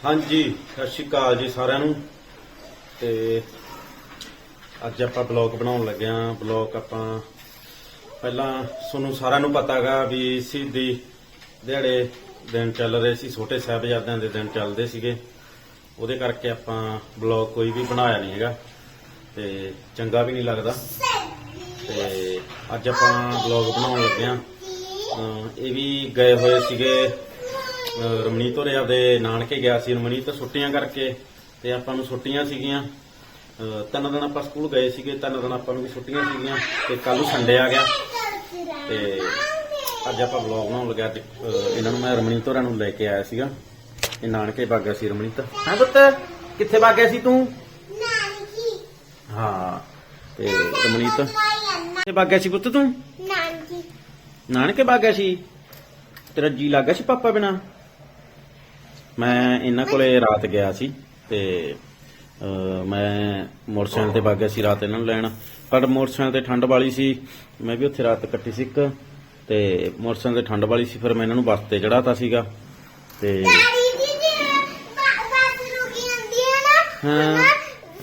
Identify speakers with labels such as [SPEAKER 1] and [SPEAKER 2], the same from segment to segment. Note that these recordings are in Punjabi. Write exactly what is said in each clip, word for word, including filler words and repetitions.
[SPEAKER 1] ਹਾਂਜੀ ਸਤਿ ਸ਼੍ਰੀ ਅਕਾਲ ਜੀ ਸਾਰਿਆਂ ਨੂੰ। ਤੇ ਅੱਜ ਆਪਾਂ ਬਲੌਗ ਬਣਾਉਣ ਲੱਗੇ ਆਂ। ਬਲੌਗ ਆਪਾਂ ਪਹਿਲਾਂ ਤੁਹਾਨੂੰ ਸਾਰਿਆਂ ਨੂੰ ਪਤਾ ਹੈਗਾ ਵੀ ਸ਼ਹੀਦੀ ਦਿਹਾੜੇ ਦਿਨ ਚੱਲ ਰਹੇ ਸੀ, ਛੋਟੇ ਸਾਹਿਬਜ਼ਾਦਿਆਂ ਦੇ ਦਿਨ ਚੱਲਦੇ ਸੀਗੇ। ਉਹਦੇ ਕਰਕੇ ਆਪਾਂ ਬਲੌਗ ਕੋਈ ਵੀ ਬਣਾਇਆ ਨਹੀਂ ਹੈਗਾ ਤੇ ਚੰਗਾ ਵੀ ਨਹੀਂ ਲੱਗਦਾ। ਤੇ ਅੱਜ ਆਪਾਂ ਬਲੌਗ ਬਣਾਉਣ ਲੱਗੇ ਆਂ। ਇਹ ਵੀ ਗਏ ਹੋਏ ਸੀਗੇ ਰਮਨੀਤ ਹੋਰੇ ਆਪਦੇ ਨਾਨਕੇ ਗਿਆ ਸੀ। ਰਮਨੀਤ ਛੁੱਟੀਆਂ ਕਰਕੇ ਤੇ ਆਪਾਂ ਨੂੰ ਛੁੱਟੀਆਂ ਸੀਗੀਆਂ, ਤਿੰਨ ਦਿਨ ਆਪਾਂ ਸਕੂਲ ਗਏ ਸੀਗੇ, ਤਿੰਨ ਦਿਨ ਆਪਾਂ ਨੂੰ ਵੀ ਛੁੱਟੀਆਂ ਸੀਗੀਆਂ ਤੇ ਕੱਲ ਨੂੰ ਸੰਡੇ ਆ ਗਿਆ। ਤੇ ਅੱਜ ਆਪਾਂ ਵਲੌਗ ਬਣਾਉਣ ਲੱਗਿਆ। ਇਹਨਾਂ ਨੂੰ ਮੈਂ ਰਮਨੀਤ ਹੋਰਾਂ ਨੂੰ ਲੈ ਕੇ ਆਇਆ ਸੀਗਾ। ਇਹ ਨਾਨਕੇ ਵਗ ਗਿਆ ਸੀ ਰਮਨੀਤ। ਹਾਂ ਪੁੱਤ ਕਿੱਥੇ ਵਗ ਗਿਆ ਸੀ ਤੂੰ? ਨਾਨਕੀ। ਹਾਂ ਤੇ ਰਮਨੀਤ ਕਿੱਥੇ ਵਗ ਗਿਆ ਸੀ ਪੁੱਤ ਤੂੰ? ਨਾਨਕੀ। ਨਾਨਕੇ ਵਗ ਗਿਆ ਸੀ। ਤੇਰਾ ਜੀ ਲੱਗ ਗਿਆ ਸੀ ਪਾਪਾ ਬਿਨਾ? ਮੈਂ ਇਹਨਾਂ ਕੋਲੇ ਰਾਤ ਗਿਆ ਸੀ ਤੇ ਮੈਂ ਮੋਟਰਸਾਈਕਲ ਤੇ ਵਗ ਗਿਆ ਸੀ ਰਾਤ ਇਹਨਾਂ ਨੂੰ ਲੈਣ, ਪਰ ਮੋਟਰਸਾਈਕਲ ਤੇ ਠੰਡ ਵਾਲੀ ਸੀ। ਮੈਂ ਵੀ ਉੱਥੇ ਰਾਤ ਕੱਟੀ ਸੀ ਇੱਕ, ਤੇ ਮੋਟਰਸਾਈਕਲ ਤੇ ਠੰਡ ਵਾਲੀ ਸੀ, ਫਿਰ ਮੈਂ ਇਹਨਾਂ ਨੂੰ ਬੱਸ ਤੇ ਚੜਾਤਾ ਸੀਗਾ। ਤੇ ਹਾਂ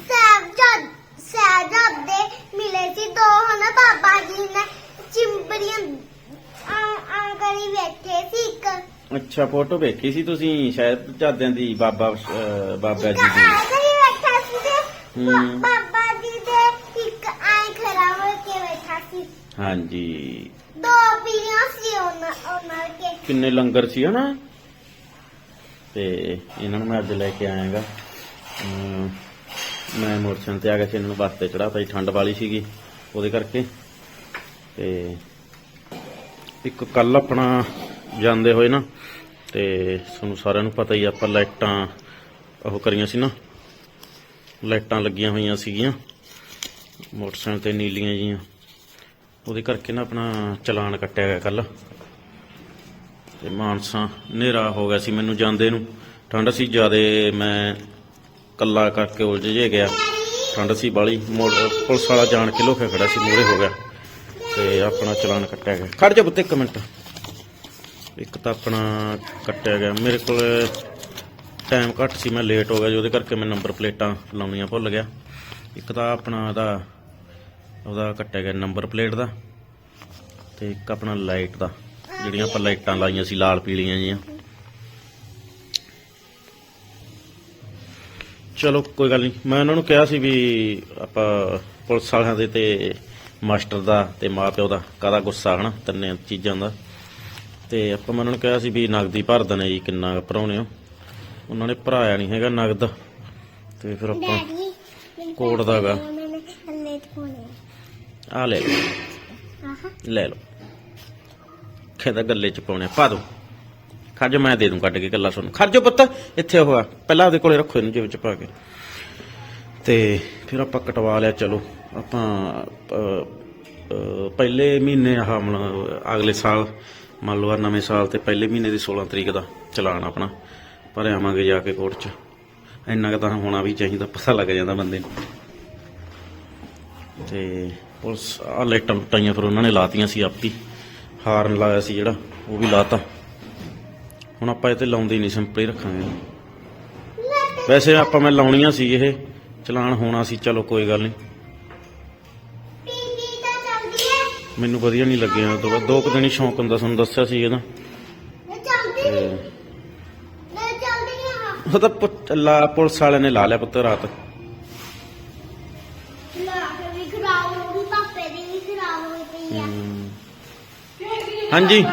[SPEAKER 2] ਮਿਲੇ ਸੀ ਦੋ ਹਨਾ ਬਾਬਾ ਜੀ ਨੇ ਚਿੰਬੜੀਆਂ ਆ ਕਰੀ ਬੈਠੇ ਸੀ ਇੱਕ।
[SPEAKER 1] ਅੱਛਾ ਫੋਟੋ ਵੇਖੀ ਸੀ ਤੁਸੀਂ ਸ਼ਾਇਦ ਝਾਦਿਆਂ ਦੀ ਬਾਬਾ ਅਹ ਬਾਬਾ ਜੀ ਦੀ।
[SPEAKER 2] ਬੈਠਾ ਸੀ ਤੇ ਬਾਬਾ ਜੀ ਦੇ ਇੱਕ ਆਏ ਖੜਾ ਹੋ ਕੇ ਬੈਠਾ ਸੀ।
[SPEAKER 1] ਹਾਂਜੀ
[SPEAKER 2] ਦੋ ਪੀੜੀਆਂ ਸੀ ਉਹਨਾਂ ਉਹਨਾਂ ਕੇ।
[SPEAKER 1] ਕਿੰਨੇ ਲੰਗਰ ਸੀ ਹਨਾ। ਤੇ ਇਹਨਾਂ ਨੂੰ ਮੈਂ ਅੱਜ ਲੈ ਕੇ ਆਇਆਗਾ। ਮੈਂ ਮੋਟਰਸਾਈਕਲ ਤੇ ਆ ਗਿਆ ਸੀ, ਇਹਨਾਂ ਨੂੰ ਬੱਸ ਤੇ ਚੜਾਤਾ ਸੀ, ਠੰਡ ਵਾਲੀ ਸੀਗੀ ਉਹਦੇ ਕਰਕੇ। ਤੇ ਇੱਕ ਕੱਲ ਆਪਣਾ ਜਾਂਦੇ ਹੋਏ ਨਾ, ਤੇ ਤੁਹਾਨੂੰ ਸਾਰਿਆਂ ਨੂੰ ਪਤਾ ਹੀ ਆਪਾਂ ਲਾਈਟਾਂ ਉਹ ਕਰੀਆਂ ਸੀ ਨਾ, ਲਾਈਟਾਂ ਲੱਗੀਆਂ ਹੋਈਆਂ ਸੀਗੀਆਂ ਮੋਟਰਸਾਈਕਲ ਤੇ ਨੀਲੀਆਂ ਜੀਆਂ, ਉਹਦੇ ਕਰਕੇ ਨਾ ਆਪਣਾ ਚਲਾਨ ਕੱਟਿਆ ਗਿਆ ਕੱਲ। ਤੇ ਮਾਨਸਾ ਹਨੇਰਾ ਹੋ ਗਿਆ ਸੀ ਮੈਨੂੰ ਜਾਂਦੇ ਨੂੰ, ਠੰਡ ਸੀ ਜ਼ਿਆਦੇ, ਮੈਂ ਕੱਲਾ ਕਰਕੇ ਉਲਝ ਜੇ ਗਿਆ, ਠੰਡ ਸੀ ਬਾਲੀ। ਮੋੜ ਪੁਲਿਸ ਵਾਲਾ ਜਾਣ ਕੇ ਲੋਕੇ ਖੜਾ ਸੀ, ਮੂਹਰੇ ਹੋ ਗਿਆ ਤੇ ਆਪਣਾ ਚਲਾਨ ਕੱਟਿਆ ਗਿਆ। ਖੜ ਜਾ ਪੁੱਤ ਇੱਕ ਮਿੰਟ। ਇੱਕ ਤਾਂ ਆਪਣਾ ਕੱਟਿਆ ਗਿਆ, ਮੇਰੇ ਕੋਲ ਟਾਈਮ ਘੱਟ ਸੀ, ਮੈਂ ਲੇਟ ਹੋ ਗਿਆ ਜੀ, ਉਹਦੇ ਕਰਕੇ ਮੈਂ ਨੰਬਰ ਪਲੇਟਾਂ ਲਾਉਣੀਆਂ ਭੁੱਲ ਗਿਆ। ਇੱਕ ਤਾਂ ਆਪਣਾ ਉਹਦਾ ਉਹਦਾ ਕੱਟਿਆ ਗਿਆ ਨੰਬਰ ਪਲੇਟ ਦਾ, ਤੇ ਇੱਕ ਆਪਣਾ ਲਾਈਟ ਦਾ, ਜਿਹੜੀਆਂ ਆਪਾਂ ਲਾਈਟਾਂ ਲਾਈਆਂ ਸੀ ਲਾਲ ਪੀਲੀਆਂ ਜੀਆਂ। ਚਲੋ ਕੋਈ ਗੱਲ ਨਹੀਂ, ਮੈਂ ਉਹਨਾਂ ਨੂੰ ਕਿਹਾ ਸੀ ਵੀ ਆਪਾਂ ਪੁਲਿਸ ਵਾਲਿਆਂ ਦੇ ਤੇ ਮਾਸਟਰ ਦਾ ਤੇ ਮਾਂ ਪਿਓ ਦਾ ਕਾਹਦਾ ਗੁੱਸਾ ਹਨਾ, ਤਿੰਨੇ ਚੀਜ਼ਾਂ ਦਾ। ਤੇ ਆਪਾਂ ਮੈਂ ਉਹਨਾਂ ਨੂੰ ਕਿਹਾ ਸੀ ਵੀ ਨਗਦੀ ਭਰ ਦਨੇ ਜੀ, ਕਿੰਨਾ ਭਰਾਉਣੇ ਹੋ। ਉਹਨਾਂ ਨੇ ਭਰਾਇਆ ਨਹੀਂ ਹੈਗਾ ਨਗਦ, ਤੇ ਫਿਰ ਆਪਾਂ ਕੋਟ ਦਾ ਗਾ ਆ ਲੈ ਲਓ, ਲੈ ਲਓ, ਕਹਿੰਦਾ ਗੱਲੇ ਚ ਪਾਉਣੇ ਪਾ ਦੋ। ਖਰਜੋ ਮੈਂ ਦੇ ਦੂੰ ਕੱਢ ਕੇ ਗੱਲਾਂ ਤੁਹਾਨੂੰ। ਖਰਜੋ ਪੁੱਤ ਇੱਥੇ ਉਹ ਆ, ਪਹਿਲਾਂ ਉਹਦੇ ਕੋਲੇ ਰੱਖੋ ਇਹਨੂੰ ਜੇਬ ਚ ਪਾ ਕੇ। ਤੇ ਫਿਰ ਆਪਾਂ ਕਟਵਾ ਲਿਆ। ਚਲੋ ਆਪਾਂ ਪਹਿਲੇ ਮਹੀਨੇ ਆਹ ਅਗਲੇ ਸਾਲ ਮੰਨ ਲਓ ਨਵੇਂ ਸਾਲ ਤੇ ਪਹਿਲੇ ਮਹੀਨੇ ਦੀ ਸੋਲਾਂ ਤਰੀਕ ਦਾ ਚਲਾਨ ਆਪਣਾ ਭਰ ਆਵਾਂਗੇ ਜਾ ਕੇ ਕੋਰਟ 'ਚ। ਇੰਨਾ ਕੁ ਤਾਂ ਹੋਣਾ ਵੀ ਚਾਹੀਦਾ, ਪਤਾ ਲੱਗ ਜਾਂਦਾ ਬੰਦੇ ਨੂੰ। ਤੇ ਪੁਲਿਸ ਆਹ ਲਾਈਟਾਂ ਲੁੱਟਾਈਆਂ ਫਿਰ ਉਹਨਾਂ ਨੇ ਲਾਤੀਆਂ ਸੀ ਆਪੀ, ਹਾਰਨ ਲਾਇਆ ਸੀ ਜਿਹੜਾ ਉਹ ਵੀ ਲਾਤਾ। ਹੁਣ ਆਪਾਂ ਇਹ ਤੇ ਲਾਉਂਦੇ ਨਹੀਂ, ਸਿੰਪਲ ਹੀ ਰੱਖਾਂਗੇ। ਵੈਸੇ ਆਪਾਂ ਮੈਂ ਲਾਉਣੀਆਂ ਸੀ, ਇਹ ਚਲਾਨ ਹੋਣਾ ਸੀ। ਚਲੋ ਕੋਈ ਗੱਲ ਨਹੀਂ, ਮੈਨੂੰ ਵਧੀਆ ਨਹੀਂ ਲੱਗਿਆ। ਤੋਂ ਬਾਅਦ ਦੋ ਕੁ ਦਿਨ ਹੀ ਸ਼ੌਂਕ ਹੁੰਦਾ, ਤੁਹਾਨੂੰ ਦੱਸਿਆ ਸੀ ਇਹਦਾ। ਉਹ ਤਾਂ ਲਾ ਪੁਲਿਸ ਵਾਲਿਆਂ ਨੇ ਲਾ ਲਿਆ ਪੁੱਤ ਰਾਤ। ਹਾਂਜੀ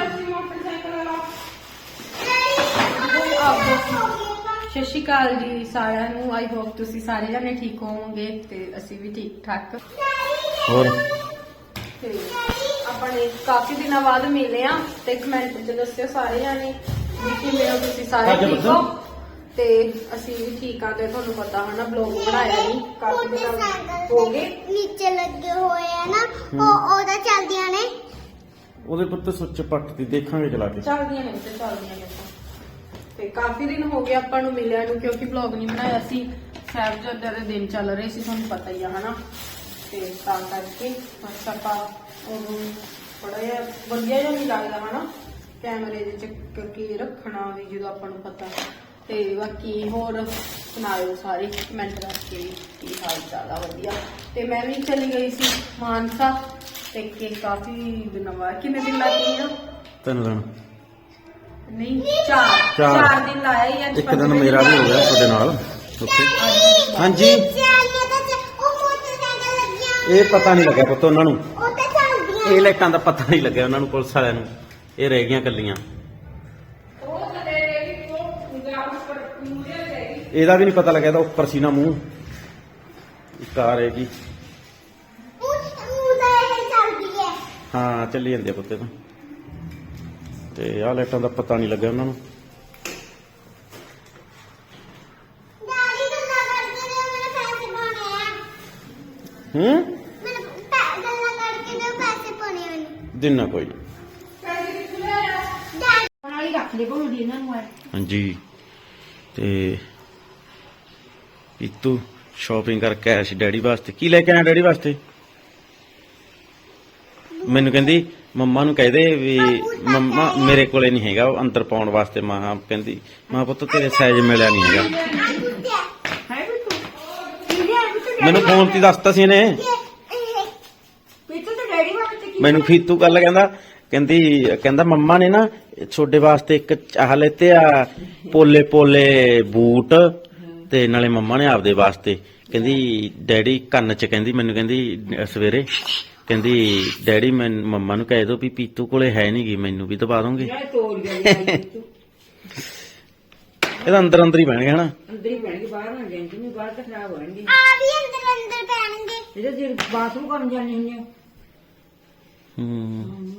[SPEAKER 3] ਸਤਿ ਸ਼੍ਰੀ ਅਕਾਲ ਜੀ ਸਾਰਿਆਂ ਨੂੰ। ਆਈ ਹੋਪ ਤੁਸੀਂ ਸਾਰੇ ਜਣੇ ਠੀਕ ਹੋਵੋਗੇ ਤੇ ਅਸੀਂ ਵੀ ਠੀਕ ਠਾਕ।
[SPEAKER 1] ਹੋਰ
[SPEAKER 3] ਤੇ ਆਪਣੇ ਕਾਫੀ ਦਿਨਾਂ ਬਾਅਦ ਮਿਲੇ ਆ, ਤੇ ਕਮੈਂਟ 'ਚ ਦੱਸਿਓ ਸਾਰੇ ਜਣੇ ਵੀ ਕਿਵੇਂ ਹੋ ਤੁਸੀਂ, ਸਾਰੇ ਠੀਕ ਹੋ? ਤੇ ਅਸੀਂ ਵੀ ਠੀਕ ਆ। ਤੇ ਤੁਹਾਨੂੰ ਪਤਾ ਹਨਾ ਬਲੌਗ ਬਣਾਇਆ ਨਹੀਂ, ਕਾਫੀ ਦਿਨ ਹੋ ਗਏ।
[SPEAKER 2] ਨੀਚੇ ਲੱਗੇ ਹੋਏ ਆ ਨਾ, ਉਹ ਉਹਦਾ ਚੱਲਦੀਆਂ ਨੇ
[SPEAKER 1] ਉਹਦੇ ਪੁੱਤ ਸੁੱਚ ਪੱਟ ਦੀ ਦੇਖਾਂਗੇ ਚਲਾ ਕੇ।
[SPEAKER 3] ਚੱਲਦੀਆਂ ਨੇ ਤੇ ਚੱਲਦੀਆਂ ਨੇ। ਤੇ ਕਾਫੀ ਦਿਨ ਹੋ ਗਏ ਆਪਾਂ ਨੂੰ ਮਿਲਿਆ ਨੂੰ, ਕਿਉਂਕਿ ਬਲੌਗ ਨਹੀਂ ਬਣਾਇਆ ਸੀ। ਸਾਹਿਬਜ਼ਾਦਿਆਂ ਦੇ ਦਿਨ ਚੱਲ ਰਹੇ ਸੀ, ਤੁਹਾਨੂੰ ਪਤਾ ਹੀ ਆ ਹਨਾ। ਤੇ ਤਾਂ ਕਰਕੇ ਬਸ ਆਪਾਂ ਉਹਨੂੰ ਥੋੜਾ ਜਿਹਾ ਵਧੀਆ ਜਿਹਾ ਨਹੀਂ ਲੱਗਦਾ ਹਨਾ ਕੈਮਰੇ ਦੇ ਚ, ਕਿਉਂਕਿ ਰੱਖਣਾ ਵੀ ਜਦੋਂ ਆਪਾਂ ਨੂੰ ਪਤਾ ਤੇ ਬਾਕੀ ਹੋਰ ਸੁਣਾਇਓ ਸਾਰੇ ਕਮੈਂਟ ਕਰਕੇ ਕੀ ਹਾਲ ਚਾਲ ਆ। ਵਧੀਆ। ਤੇ ਮੈਂ ਵੀ ਚਲੀ ਗਈ ਸੀ ਮਾਨਸਾ ਤੇ ਕਿ ਕਾਫੀ ਦਿਨਾਂ ਬਾਅਦ ਕਿੰਨੇ ਦਿਨ ਲੱਗ ਗਏ ਆ?
[SPEAKER 1] ਤਿੰਨ ਦਿਨ
[SPEAKER 3] ਨਹੀਂ ਚਾਰ
[SPEAKER 1] ਚਾਰ।
[SPEAKER 3] ਚਾਰ ਦਿਨ ਲਾਇਆ ਹੀ ਅੱਜ
[SPEAKER 1] ਇੱਕ ਦਿਨ ਮੇਰਾ ਵੀ ਹੋ ਗਿਆ ਤੁਹਾਡੇ ਨਾਲ ਉੱਥੇ। ਹਾਂਜੀ ਇਹ ਪਤਾ ਨਹੀਂ ਲੱਗਿਆ ਪੁੱਤ ਉਹਨਾਂ ਨੂੰ,
[SPEAKER 2] ਉਹ ਤਾਂ ਚੱਲਦੀਆਂ
[SPEAKER 1] ਇਹ ਲਾਈਟਾਂ ਦਾ ਪਤਾ ਨਹੀਂ ਲੱਗਿਆ ਉਹਨਾਂ ਨੂੰ, ਪੁਲਿਸ ਵਾਲਿਆਂ ਨੂੰ। ਇਹ ਰਹਿ ਗਈਆਂ ਕੱਲੀਆਂ। ਇਹਦਾ ਵੀ ਨਹੀਂ ਪਤਾ ਲੱਗਿਆ ਤਾਂ ਉੱਪਰ ਸੀ ਨਾ ਮੂੰਹ। ਇੱਕ ਆ ਰਹੇਗੀ।
[SPEAKER 2] ਉਹ ਤਾਂ ਇਹ ਚੱਲਦੀ ਹੈ।
[SPEAKER 1] ਹਾਂ ਚੱਲੀ ਜਾਂਦੇ ਆ ਪੁੱਤੇ ਤਾਂ। ਤੇ ਆਹ ਲਾਈਟਾਂ ਦਾ ਪਤਾ ਨਹੀਂ ਲੱਗਿਆ ਉਹਨਾਂ ਨੂੰ।
[SPEAKER 2] ਡੈਡੀ ਗੱਲਾਂ ਕਰਕੇ ਦਿਓ, ਮੇਰੇ ਪੈਸੇ ਪਾਉਣੇ ਆ।
[SPEAKER 1] ਹੂੰ
[SPEAKER 2] ਮੈਨੂੰ ਪੈ- ਗੱਲਾਂ ਕਰਕੇ ਦਿਓ, ਪੈਸੇ ਪਾਉਣੇ ਆ ਮੈਨੂੰ।
[SPEAKER 1] ਦਿਨ ਨਾ ਕੋਈ ਨੀ।
[SPEAKER 2] ਡੈਡੀ
[SPEAKER 3] ਬਣਾਈ ਰੱਖ ਲੈ ਬੋਲਦੀ ਇਹਨਾਂ ਨੂੰ।
[SPEAKER 1] ਹਾਂਜੀ ਤੇ ਪੀਤੂ ਸ਼ਾਪਿੰਗ ਕਰਕੇ ਆਇਆ ਸੀ ਡੈਡੀ ਵਾਸਤੇ। ਕੀ ਲੈ ਕੇ ਆਇਆ ਡੈਡੀ ਵਾਸਤੇ? ਮੈਨੂੰ ਕਹਿੰਦੀ ਮੰਮਾ ਨੂੰ ਕਹਿ ਦੇ ਵੀ ਮੰਮਾ ਮੇਰੇ ਕੋਲੇ ਨਹੀਂ ਹੈਗਾ ਉਹ ਅੰਦਰ ਪਾਉਣ ਵਾਸਤੇ। ਮਾਂ ਕਹਿੰਦੀ ਮਾਂ ਪੁੱਤ ਤੇਰੇ ਸਾਈਜ਼ ਮਿਲਿਆ ਨਹੀਂ ਹੈਗਾ।
[SPEAKER 2] ਆ ਕੁੱਤੇ
[SPEAKER 3] ਹੈ ਵੀ ਤੂੰ ਕੀ ਹੈ ਵੀ ਤੂੰ
[SPEAKER 1] ਮੈਨੂੰ ਫੋਨ ਤੇ ਦੱਸਤਾ ਸੀ ਇਹਨੇ।
[SPEAKER 2] ਇਹ
[SPEAKER 3] ਪੀਤੂ ਤੇ ਡੈਡੀ ਵਾਸਤੇ ਕੀ
[SPEAKER 1] ਮੈਨੂੰ ਫੀਤੂ ਗੱਲ ਕਹਿੰਦਾ ਕਹਿੰਦੀ ਕਹਿੰਦਾ ਮੰਮਾ ਨੇ ਨਾ ਤੁਹਾਡੇ ਵਾਸਤੇ ਇੱਕ ਚਾਹ ਲੈਤੇ ਆ ਪੋਲੇ ਪੋਲੇ ਬੂਟ ਤੇ ਨਾਲੇ ਮੰਮਾ ਨੇ ਆਪਦੇ ਵਾਸਤੇ। ਕਹਿੰਦੀ ਡੈਡੀ ਕੰਨ ਚ ਕਹਿੰਦੀ ਮੈਨੂੰ ਕਹਿੰਦੀ ਅਹ ਸਵੇਰੇ ਕਹਿੰਦੀ ਡੈਡੀ ਮੈਂ ਮੰਮਾ ਨੂੰ ਕਹਿ ਦੋ ਵੀ ਪੀਤੂ ਕੋਲੇ ਹੈ ਨਹੀਂ ਗੀ, ਮੈਨੂੰ ਵੀ ਦਬਾ ਦੋਗੇ।
[SPEAKER 3] ਯਾਰ ਤੋੜ ਗਿਆ ਤੂੰ
[SPEAKER 1] ਇਹਦਾ ਅੰਦਰ ਅੰਦਰ ਹੀ ਬਹਿਣਗੇ ਹਨਾ।
[SPEAKER 3] ਅੰਦਰ ਹੀ ਪੈਣਗੇ, ਬਾਹਰ ਨਾ ਜਾਣਗੇ। ਨਹੀਂ ਬਾਹਰ ਤਾਂ ਖਰਾਬ ਹੋਣਗੇ।
[SPEAKER 2] ਆ ਵੀ ਅੰਦਰ ਅੰਦਰ ਪੈਣਗੇ।
[SPEAKER 3] ਇਹਦੇ ਜੇ ਬਾਥਰੂਮ ਕੰਮ ਜਾਣੇ ਹੁੰਦੇ ਆ।
[SPEAKER 1] ਹੂੰ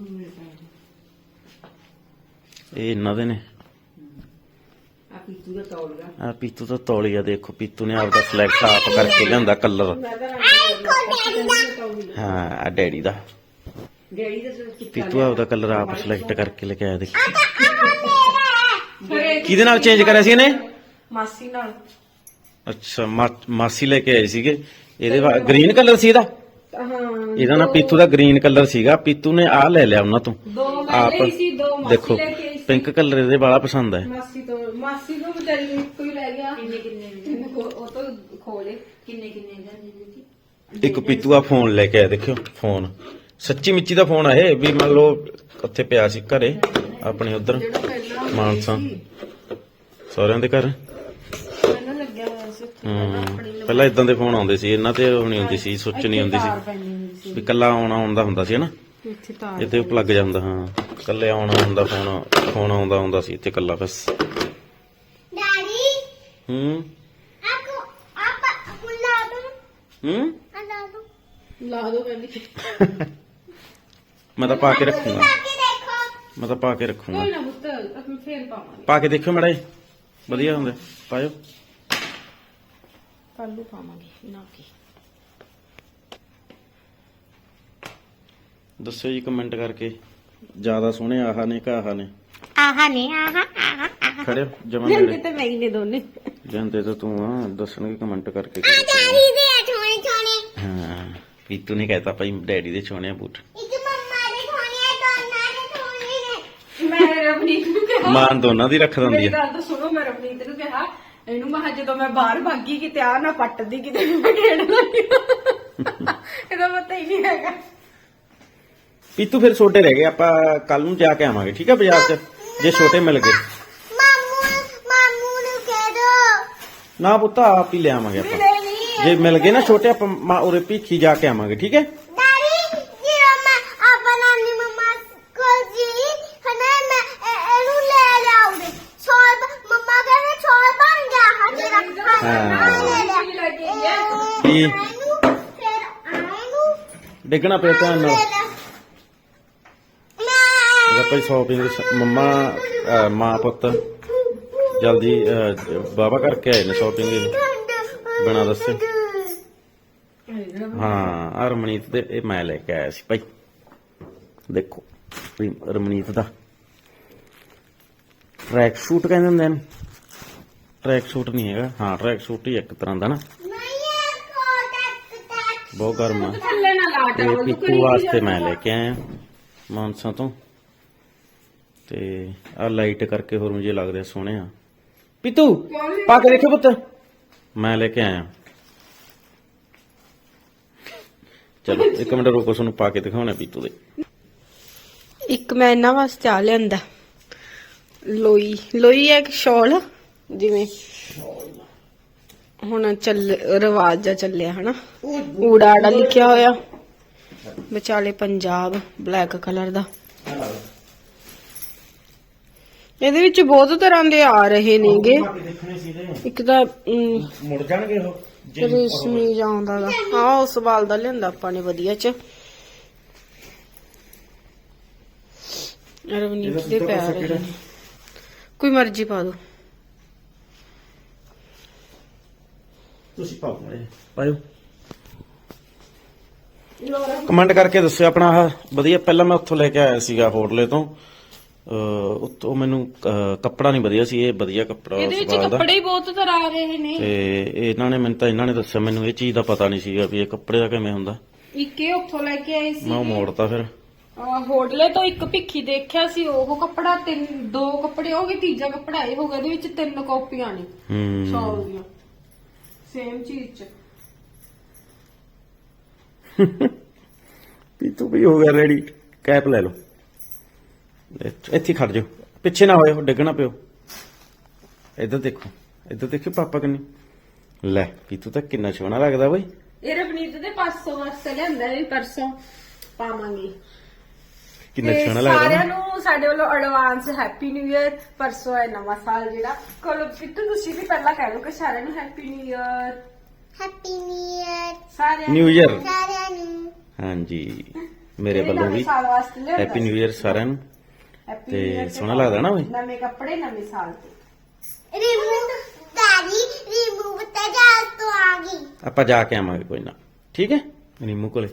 [SPEAKER 1] ਇਹ ਇਹਨਾਂ ਦੇ ਨੇ।
[SPEAKER 3] ਆ ਪੀਤੂ ਦਾ ਤੋੜ ਗਿਆ।
[SPEAKER 1] ਆ ਪੀਤੂ ਤਾਂ ਤੌਲੀਆ ਦੇਖੋ, ਪੀਤੂ ਨੇ ਆਪਦਾ ਸਿਲੈਕਟ ਆਪ ਕਰਕੇ ਲਿਆਂਦਾ ਕਲਰ।
[SPEAKER 2] ਆ ਕੋ ਡੈਡੀ ਦਾ।
[SPEAKER 1] ਹਾਂ ਆ ਡੈਡੀ ਦਾ।
[SPEAKER 3] ਡੈਡੀ ਦਾ ਸਿਰ ਚਿੱਟਾ
[SPEAKER 1] ਪੀਤੂ ਆਪਦਾ ਕਲਰ ਆਪ ਸਿਲੈਕਟ ਕਰਕੇ ਲੈ ਕੇ ਆਇਆ ਦੇਖੀ।
[SPEAKER 2] ਆ ਤਾਂ ਆ ਮੇਰਾ ਹੈ।
[SPEAKER 1] ਕਿਹਦੇ ਨਾਲ ਚੇਂਜ ਕਰਿਆ ਸੀ ਇਹਨੇ?
[SPEAKER 3] ਮਾਸੀ ਨਾਲ।
[SPEAKER 1] ਅੱਛਾ ਮਾ- ਮਾਸੀ ਲੈ ਕੇ ਆਏ ਸੀਗੇ। ਇਹਦੇ ਗ੍ਰੀਨ ਕਲਰ ਸੀ ਇਹਦਾ।
[SPEAKER 3] ਹਾਂ
[SPEAKER 1] ਇਹਦਾ ਨਾ ਪੀਤੂ ਦਾ ਗ੍ਰੀਨ ਕਲਰ ਸੀਗਾ। ਪੀਤੂ ਨੇ ਆਹ ਲੈ ਲਿਆ ਉਹਨਾਂ ਤੋਂ।
[SPEAKER 3] ਦੋ ਮੈਂ ਲਈ ਸੀ, ਦੋ ਮਾਸੀ
[SPEAKER 1] ਦੇਖੋ
[SPEAKER 3] ਲੈ ਕੇ ਆਈ ਸੀ।
[SPEAKER 1] ਪਿੰਕ ਕਲਰ ਇਹਦੇ ਵਾਲਾ ਪਸੰਦ ਹੈ।
[SPEAKER 3] ਮਾਸੀ ਤੋਂ ਮਾਸੀ ਤੋਂ ਵਿਚਾਰੀ ਨੂੰ ਇੱਕੋ ਹੀ ਲੈ ਗਿਆ। ਕਿੰਨੇ ਕਿੰਨੇ ਉਹ ਤੋਂ ਖੋਲੇ ਕਿੰਨੇ ਕਿੰਨੇ ਦਾ
[SPEAKER 1] ਇੱਕ ਪੀਤੂ ਆ ਫੋਨ ਲੈ ਕੇ ਆਇਆ ਦੇਖਿਓ। ਫੋਨ ਸੱਚੀ ਮਿੱਚੀ ਦਾ ਫੋਨ ਆ ਇਹ ਵੀ ਮੰਨ ਲਓ ਉੱਥੇ ਪਿਆ ਸੀ ਘਰੇ ਆਪਣੇ ਉਧਰ
[SPEAKER 3] ਜਿਹੜਾ ਪਹਿਲਾਂ
[SPEAKER 1] ਮਾਨਸਾ ਸਹੁਰਿਆਂ ਦੇ ਘਰ।
[SPEAKER 3] ਮੈਨੂੰ ਲੱਗਿਆ ਹੋਇਆ ਸੀ ਉੱਥੇ ਪਹਿਲਾਂ ਆਪਣੀ
[SPEAKER 1] ਹੂੰ ਪਹਿਲਾਂ ਇਦਾਂ ਦੇ ਫੋਨ ਆਉਂਦੇ ਸੀ ਇਹਨਾਂ ਤੇ ਉਹ ਨਹੀਂ ਹੁੰਦੀ ਸੀ, ਸੁੱਚ ਨਹੀਂ ਹੁੰਦੀ
[SPEAKER 3] ਤਾਰ
[SPEAKER 1] ਸੀ
[SPEAKER 3] ਪੈਣੀ ਹੁੰਦੀ ਸੀ
[SPEAKER 1] ਵੀ ਕੱਲਾ ਆਉਣਾ ਆਉਂਦਾ ਹੁੰਦਾ ਸੀ ਹਨਾ।
[SPEAKER 3] ਇੱਥੇ ਤਾਰ
[SPEAKER 1] ਇੱਥੇ ਪਲੱਗ ਜਾਂਦਾ। ਹਾਂ ਕੱਲੇ ਆਉਣਾ ਹੁੰਦਾ ਫੋਨ ਫੋਨ ਆਉਂਦਾ ਹੁੰਦਾ ਸੀ ਇੱਥੇ ਕੱਲਾ ਬਸ।
[SPEAKER 2] ਡੈਡੀ
[SPEAKER 1] ਹੂੰ
[SPEAKER 2] ਆ ਕੋ ਆਪਾ ਮੁੱਲਾ ਦੋ।
[SPEAKER 1] ਹੂੰ
[SPEAKER 2] ਆ ਲਾ ਦੋ।
[SPEAKER 3] ਲਾ ਦੋ ਕਹਿੰਦੀ।
[SPEAKER 1] ਮੈਂ ਤਾਂ ਪਾ ਕੇ ਰੱਖੂੰਗਾ।
[SPEAKER 2] ਲਾ ਕੇ ਦੇਖੋ।
[SPEAKER 1] ਮੈਂ ਤਾਂ ਪਾ ਕੇ ਰੱਖੂੰਗਾ।
[SPEAKER 3] ਕੋਈ ਨਾ ਪੁੱਤ ਆਪਾਂ ਫੇਰ ਪਾਵਾਂਗੇ।
[SPEAKER 1] ਪਾ ਕੇ ਦੇਖਿਓ ਮੜਾ ਵਧੀਆ ਹੁੰਦੇ ਪਾਇਓ।
[SPEAKER 3] ਕੱਲ ਨੂੰ ਪਾਵਾਂਗੇ ਨਾ ਕੀ।
[SPEAKER 1] ਦੱਸਿਓ ਜੀ ਕਮੈਂਟ ਕਰਕੇ ਜਿਆਦਾ ਸੋਹਣੇ ਆਹ ਨੇ ਕਿ ਆਹ ਨੇ।
[SPEAKER 2] ਆਹਾ ਨੇ ਆਹਾ ਆਹਾ।
[SPEAKER 1] ਖੜੇ ਜਮਨ
[SPEAKER 3] ਜਾਂਦੇ
[SPEAKER 1] ਨੇੜੇ
[SPEAKER 3] ਤੇ ਮੈਂ ਹੀ ਨੇ ਦੋਨੇ।
[SPEAKER 1] ਜਾਂਦੇ ਤਾਂ ਤੂੰ ਆ ਦੱਸਣਗੇ ਕਮੈਂਟ ਕਰਕੇ।
[SPEAKER 2] ਆ ਡੈਡੀ ਦੇ ਛੋਣੇ ਛੋਣੇ।
[SPEAKER 1] ਹਾਂ ਪੀਤੂ ਨੇ ਕਹਿਤਾ ਭਾਈ ਡੈਡੀ ਦੇ ਸੋਹਣੇ ਬੂਟ।
[SPEAKER 2] ਇੱਕ ਮੰਮਾ ਦੇ ਛੋਣੇ ਆ, ਦੋਨਾਂ ਦੇ ਛੋਣੇ ਨੇ।
[SPEAKER 3] ਮੈਂ ਰਵਨੀਤ ਨੂੰ ਕਿਹਾ
[SPEAKER 1] ਮਾਨ ਦੋਨਾਂ ਦੀ ਰੱਖ ਦਿੰਦੀ
[SPEAKER 3] ਮੇਰੀ
[SPEAKER 1] ਆ।
[SPEAKER 3] ਗੱਲ ਤਾਂ ਸੁਣੋ। ਮੈਂ ਰਵਨੀਤ ਨੂੰ ਕਿਹਾ ਇਹਨੂੰ ਮੈਂ ਕਿਹਾ ਜਦੋਂ ਮੈਂ ਬਾਹਰ ਭਾਗੀ ਕਿਤੇ ਆ ਨਾ ਪੱਟਦੀ ਕਿਤੇ ਮੈਂ ਖੇਡ ਲੱਗੀ। ਇਹਦਾ ਪਤਾ ਹੀ ਨਹੀਂ ਹੈਗਾ।
[SPEAKER 1] ਪੀਤੂ ਫਿਰ ਛੋਟੇ ਰਹਿ ਗਏ। ਆਪਾਂ ਕੱਲ ਨੂੰ ਜਾ ਕੇ ਆਵਾਂਗੇ ਠੀਕ ਹੈ ਬਾਜ਼ਾਰ 'ਚ ਜੇ ਛੋਟੇ ਮਿਲ ਗਏ।
[SPEAKER 2] ਮਾਮੂ ਮਾਮੂ ਨੂੰ ਕਹਿ ਦੋ।
[SPEAKER 1] ਨਾ ਪੁੱਤ ਆਪ ਹੀ ਲੈ ਆਵਾਂਗੇ ਆਪਾਂ।
[SPEAKER 3] ਨਹੀਂ ਨਹੀਂ
[SPEAKER 1] ਜੇ ਮਿਲ ਗਏ ਨਾ ਛੋਟੇ ਆਪਾਂ ਮਾ- ਉਰੇ ਭੀਖੀ ਜਾ ਕੇ ਆਵਾਂਗੇ ਠੀਕ ਹੈ।
[SPEAKER 2] ਡੈਡੀ ਜੀ ਮੈਂ ਆਪਾ ਨਾਨੀ ਮੰਮਾ ਕੋਲ ਜੀ ਹਨਾ ਮੈਂ ਇਹ- ਇਹਨੂੰ ਲੈ ਲਿਆਉਂਦੇ। ਛੋਲ ਮੰਮਾ ਕਹਿੰਦੇ ਛੋਲ ਬਣ ਗਿਆ ਹਾਂ ਤੇਰਾ।
[SPEAKER 1] ਹਾਂ।
[SPEAKER 2] ਲੈ ਲਿਆ।
[SPEAKER 3] ਕੀ ਲੱਗੀ ਹੈ?
[SPEAKER 1] ਕੀ?
[SPEAKER 2] ਇਹਨੂੰ ਫਿਰ ਆਏਨੂੰ
[SPEAKER 1] ਡਿੱਗਣਾ ਪਿਆ ਧਿਆਨ ਨਾਲ।
[SPEAKER 2] ਲੈ ਲੈ। ਮੈਂ
[SPEAKER 1] ਆਪਾਂ ਸ਼ਾਪਿੰਗ ਮੰਮਾ ਅਹ ਮਾਂ ਪੁੱਤ ਜਲਦੀ ਬਾਬਾ ਕਰਕੇ ਆਏ ਨੇ ਸ਼ਾਪਿੰਗ ਬਿਨਾਂ ਦੱਸੇ। ਹਾਂ ਆ ਰਮਨੀਤ ਦੇ ਇਹ ਮੈਂ ਲੈ ਕੇ ਆਇਆ ਸੀ ਭਾਈ। ਦੇਖੋ ਵੀ ਰਮਨੀਤ ਦਾ ਟਰੈਕ ਸੂਟ ਕਹਿੰਦੇ ਹੁੰਦੇ ਨੇ। ਟਰੈਕ ਸੂਟ ਨਹੀਂ ਹੈਗਾ। ਹਾਂ ਟਰੈਕ ਸੂਟ ਹੀ ਇੱਕ ਤਰ੍ਹਾਂ ਦਾ ਨਾ।
[SPEAKER 2] ਇਹ ਕੋਟਕ ਤੱਕ
[SPEAKER 1] ਬਹੁਤ ਗਰਮ ਆ।
[SPEAKER 3] ਥੱਲੇ ਨਾ ਲਾ
[SPEAKER 1] ਤੇ
[SPEAKER 3] ਟਾਵਲ
[SPEAKER 1] ਪੀਕੂ ਵਾਸਤੇ ਮੈਂ ਲੈ ਕੇ ਆਇਆ ਮਾਨਸਾ ਤੋਂ। ਤੇ ਆ ਲਾਈਟ ਕਰਕੇ ਹੋਰ ਮੁਝੇ ਲੱਗ ਰਿਹਾ ਸੋਹਣੇ ਆ ਪੀਤੂ ਪਾ ਕੇ ਦੇਖੋ ਪੁੱਤ ਮੈਂ ਲੈ ਕੇ ਆਇਆ ਚਲੋ ਇੱਕ ਮਿੰਟ ਰੁਕੋ ਤੁਹਾਨੂੰ ਪਾ ਕੇ ਦਿਖਾਉਣਾ ਪੀਤੂ ਦੇ
[SPEAKER 3] ਇੱਕ ਮੈਂ ਇਹਨਾਂ ਵਾਸਤੇ ਆ ਲਿਆਂਦਾ ਲੋਈ ਲੋਈ ਹੈ ਇੱਕ ਸ਼ਾਲ ਜਿਵੇਂ ਹੁਣ ਚੱਲ ਰਿਵਾਜ ਜਾ ਚੱਲਿਆ ਹਨਾ ਊੜਾ ਆੜਾ ਲਿਖਿਆ ਹੋਇਆ ਵਿਚਾਲੇ ਪੰਜਾਬ ਬਲੈਕ ਕਲਰ ਦਾ ਇਹਦੇ ਵਿੱਚ ਬਹੁਤ ਤਰ੍ਹਾਂ ਦੇ ਆ ਰਹੇ ਨੇਗੇ ਇੱਕ ਤਾਂ ਅਮ,
[SPEAKER 1] ਮੁੜ ਜਾਣਗੇ ਉਹ
[SPEAKER 3] ਰੇਸ਼ਮੀ ਜਾਂਦਾ ਦਾ ਹਾਂ ਉਸ ਵਾਲ ਦਾ ਲਿਆਂਦਾ ਆਪਾਂ ਨੇ ਵਧੀਆ ਚ ਰਵਨੀਤ ਦੇ ਪੈਰ ਰਹੇ ਨੇ ਕੋਈ ਮਰਜ਼ੀ ਪਾ ਦੋ
[SPEAKER 1] ਤੁਸੀਂ ਪਾਓ ਮਾੜੇ ਪਾਇਓ ਕਮੈਂਟ ਕਰਕੇ ਦੱਸਿਓ ਆਪਣਾ ਆਹ ਵਧੀਆ ਪਹਿਲਾਂ ਮੈਂ ਉੱਥੋਂ ਲੈ ਕੇ ਆਇਆ ਸੀਗਾ ਹੋਟਲੇ ਤੋਂ ਅਹ ਉੱਥੋਂ ਮੈਨੂੰ ਅਹ ਕੱਪੜਾ ਨਹੀਂ ਵਧੀਆ ਸੀ ਇਹ ਵਧੀਆ ਕੱਪੜਾ
[SPEAKER 3] ਇਹਦੇ ਵਿੱਚ
[SPEAKER 1] ਸਵਾਲ ਦਾ
[SPEAKER 3] ਕੱਪੜੇ ਹੀ ਬਹੁਤ ਤਰ੍ਹਾਂ ਆ ਰਹੇ ਨੇ
[SPEAKER 1] ਤੇ ਇਹਨਾਂ ਨੇ ਮੈਨੂੰ ਤਾਂ ਇਹਨਾਂ ਨੇ ਦੱਸਿਆ ਮੈਨੂੰ ਇਹ ਚੀਜ਼ ਦਾ ਪਤਾ ਨਹੀਂ ਸੀਗਾ ਵੀ ਇਹ ਕੱਪੜੇ ਦਾ ਕਿਵੇਂ ਹੁੰਦਾ
[SPEAKER 3] ਇੱਕ ਇਹ ਉੱਥੋਂ ਲੈ ਕੇ ਆਏ ਸੀ
[SPEAKER 1] ਮੈਂ ਉਹ ਮੋੜਤਾ ਫਿਰ
[SPEAKER 3] ਅਹ ਹੋਟਲੇ ਤੋਂ ਇੱਕ ਭਿੱਖੀ ਦੇਖਿਆ ਸੀ ਉਹ ਕੱਪੜਾ ਤਿੰਨ ਦੋ ਕੱਪੜੇ ਹੋ ਗਏ ਤੀਜਾ ਕੱਪੜਾ ਇਹ ਹੋ ਗਿਆ ਇਹਦੇ ਵਿੱਚ ਤਿੰਨ ਕਾਪੀਆਂ ਨੇ
[SPEAKER 1] ਹੂੰ
[SPEAKER 3] ਸ਼ਾਲ ਦੀਆਂ ਸੇਮ ਚੀਜ਼ ਚ
[SPEAKER 1] ਪੀਤੂ ਵੀ ਹੋ ਗਿਆ ਰੈਡੀ ਕੈਪ ਲੈ ਲਓ ਇੱਥੇ ਇੱਥੇ ਖੜ ਜਾਓ ਪਿੱਛੇ ਨਾ ਹੋਇਓ ਡਿੱਗਣਾ ਪਿਓ ਇੱਧਰ ਦੇਖੋ ਇੱਧਰ ਦੇਖੋ ਪਾਪਾ ਕਿੰਨੀ ਲੈ ਪੀਤੂ ਤਾਂ ਕਿੰਨਾ ਸੋਹਣਾ ਲੱਗਦਾ ਬਈ
[SPEAKER 3] ਇਹ ਰਵਨੀਤ ਦੇ ਪਾਸੋਂ ਵਾਸਤੇ ਲਿਆਂਦਾ ਇਹ ਪਰਸੋਂ ਪਾਵਾਂਗੇ
[SPEAKER 1] ਕਿੰਨਾ
[SPEAKER 3] ਤੇ
[SPEAKER 1] ਸੋਹਣਾ ਲੱਗਦਾ
[SPEAKER 3] ਸਾਰਿਆਂ
[SPEAKER 1] ਨਾ
[SPEAKER 3] ਨੂੰ ਸਾਡੇ ਵੱਲੋਂ ਐਡਵਾਂਸ ਹੈਪੀ ਨਿਊ ਇਅਰ ਪਰਸੋਂ ਹੈ ਨਵਾਂ ਸਾਲ ਜਿਹੜਾ ਕੋਲ ਪਿੱਤੂ ਤੁਸੀਂ ਵੀ ਪਹਿਲਾਂ ਕਹਿ ਲਓ ਕਿ ਸਾਰਿਆਂ ਨੂੰ happy new year
[SPEAKER 2] happy new year
[SPEAKER 3] ਸਾਰਿਆਂ
[SPEAKER 1] ਨਿਊ ਇਅਰ
[SPEAKER 2] ਸਾਰਿਆਂ ਨੂੰ
[SPEAKER 1] ਹਾਂਜੀ ਮੇਰੇ
[SPEAKER 3] ਇਹ
[SPEAKER 1] ਵੱਲੋਂ
[SPEAKER 3] ਨਵੇਂ
[SPEAKER 1] ਵੀ
[SPEAKER 3] ਸਾਲ ਵਾਸਤੇ ਲਿਆਂਦਾ
[SPEAKER 1] ਹੈਪੀ ਨਿਊ ਇਅਰ ਸਾਰਿਆਂ ਨੂੰ
[SPEAKER 3] Happy
[SPEAKER 1] ਤੇ
[SPEAKER 3] New Year
[SPEAKER 1] ਸੋਹਣਾ ਲੱਗਦਾ ਨਾ ਬਈ
[SPEAKER 3] ਨਵੇਂ ਕੱਪੜੇ ਨਵੇਂ ਸਾਲ ਤੇ
[SPEAKER 2] ਰਿਮੂਵ ਦਾਦੀ ਰਿਮੂਵ ਤਾਂ ਜਾ ਤੋਂ ਆ ਗਈ
[SPEAKER 1] ਆਪਾਂ ਜਾ ਕੇ ਆਵਾਂਗੇ ਕੋਈ ਨਾ ਠੀਕ ਹੈ ਨੀਮੂ ਕੋਲੇ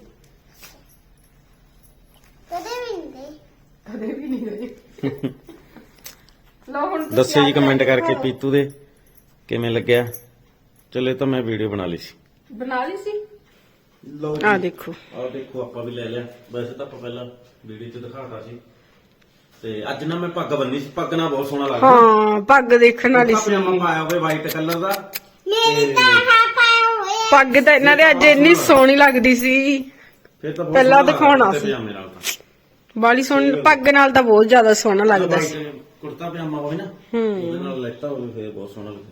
[SPEAKER 2] ਕਦੇ ਵੀ ਨਹੀਂ ਗਈ
[SPEAKER 3] ਕਦੇ ਵੀ ਨਹੀਂ ਗਏ ਲੋ ਹੁਣ ਤੁਸੀਂ
[SPEAKER 1] ਦੱਸਿਓ ਜੀ
[SPEAKER 3] ਆਪਣੇ
[SPEAKER 1] ਕਮੈਂਟ ਕਰਕੇ
[SPEAKER 3] ਦਿਖਾਓ।
[SPEAKER 1] ਪੀਤੂ ਦੇ ਕਿਵੇਂ ਲੱਗਿਆ ਚਲੇ ਤਾਂ ਮੈਂ ਵੀਡੀਓ ਬਣਾ ਲਈ ਸੀ
[SPEAKER 3] ਬਣਾ ਲਈ ਸੀ
[SPEAKER 1] ਲਓ
[SPEAKER 3] ਆ ਦੇਖੋ
[SPEAKER 1] ਆਹ ਦੇਖੋ ਆਪਾਂ ਵੀ ਲੈ ਲਿਆ ਵੈਸੇ ਤਾਂ ਆਪਾਂ ਪਹਿਲਾਂ ਵੀਡੀਓ 'ਚ ਦਿਖਾਤਾ ਸੀ ਤੇ ਅੱਜ ਨਾ ਮੈਂ ਪੱਗ ਬੰਨੀ ਸੀ ਪੱਗ ਨਾਲ ਬਹੁਤ ਸੋਹਣਾ ਲੱਗਦਾ
[SPEAKER 3] ਹਾਂ ਪੱਗ ਦੇਖਣ ਵਾਲੀ ਸੀ
[SPEAKER 1] ਪਜਾਮਾ ਪਾਇਆ ਹੋਵੇ ਵਾਈਟ ਕਲਰ ਦਾ
[SPEAKER 2] ਮੇਰੀ ਤਾਂ ਹਾਂ ਪਾਇਆ ਹੋਇਆ
[SPEAKER 3] ਪੱਗ ਤਾਂ ਇਹਨਾਂ ਦੇ ਅੱਜ ਇੰਨੀ ਸੋਹਣੀ ਲੱਗਦੀ ਸੀ
[SPEAKER 1] ਫਿਰ ਤਾਂ ਬਹੁਤ
[SPEAKER 3] ਪਹਿਲਾਂ
[SPEAKER 1] ਸੋਹਣਾ
[SPEAKER 3] ਦਿਖਾਉਣਾ
[SPEAKER 1] ਲੱਗਦਾ
[SPEAKER 3] ਸੀ।
[SPEAKER 1] ਪਜਾਮੇ ਨਾਲ ਤਾਂ
[SPEAKER 3] ਬਾਲੀ ਸੋਹਣੀ ਪੱਗ ਨਾਲ ਤਾਂ ਬਹੁਤ ਜ਼ਿਆਦਾ ਸੋਹਣਾ ਲੱਗਦਾ ਸੀ
[SPEAKER 1] White ਕੁੜਤਾ ਪਜਾਮਾ ਹੋਵੇ ਨਾ
[SPEAKER 3] ਹੂੰ
[SPEAKER 1] ਉਹਦੇ ਨਾਲ ਲੈਤਾ ਹੋਵੇ ਫਿਰ ਬਹੁਤ ਸੋਹਣਾ ਲੱਗਦਾ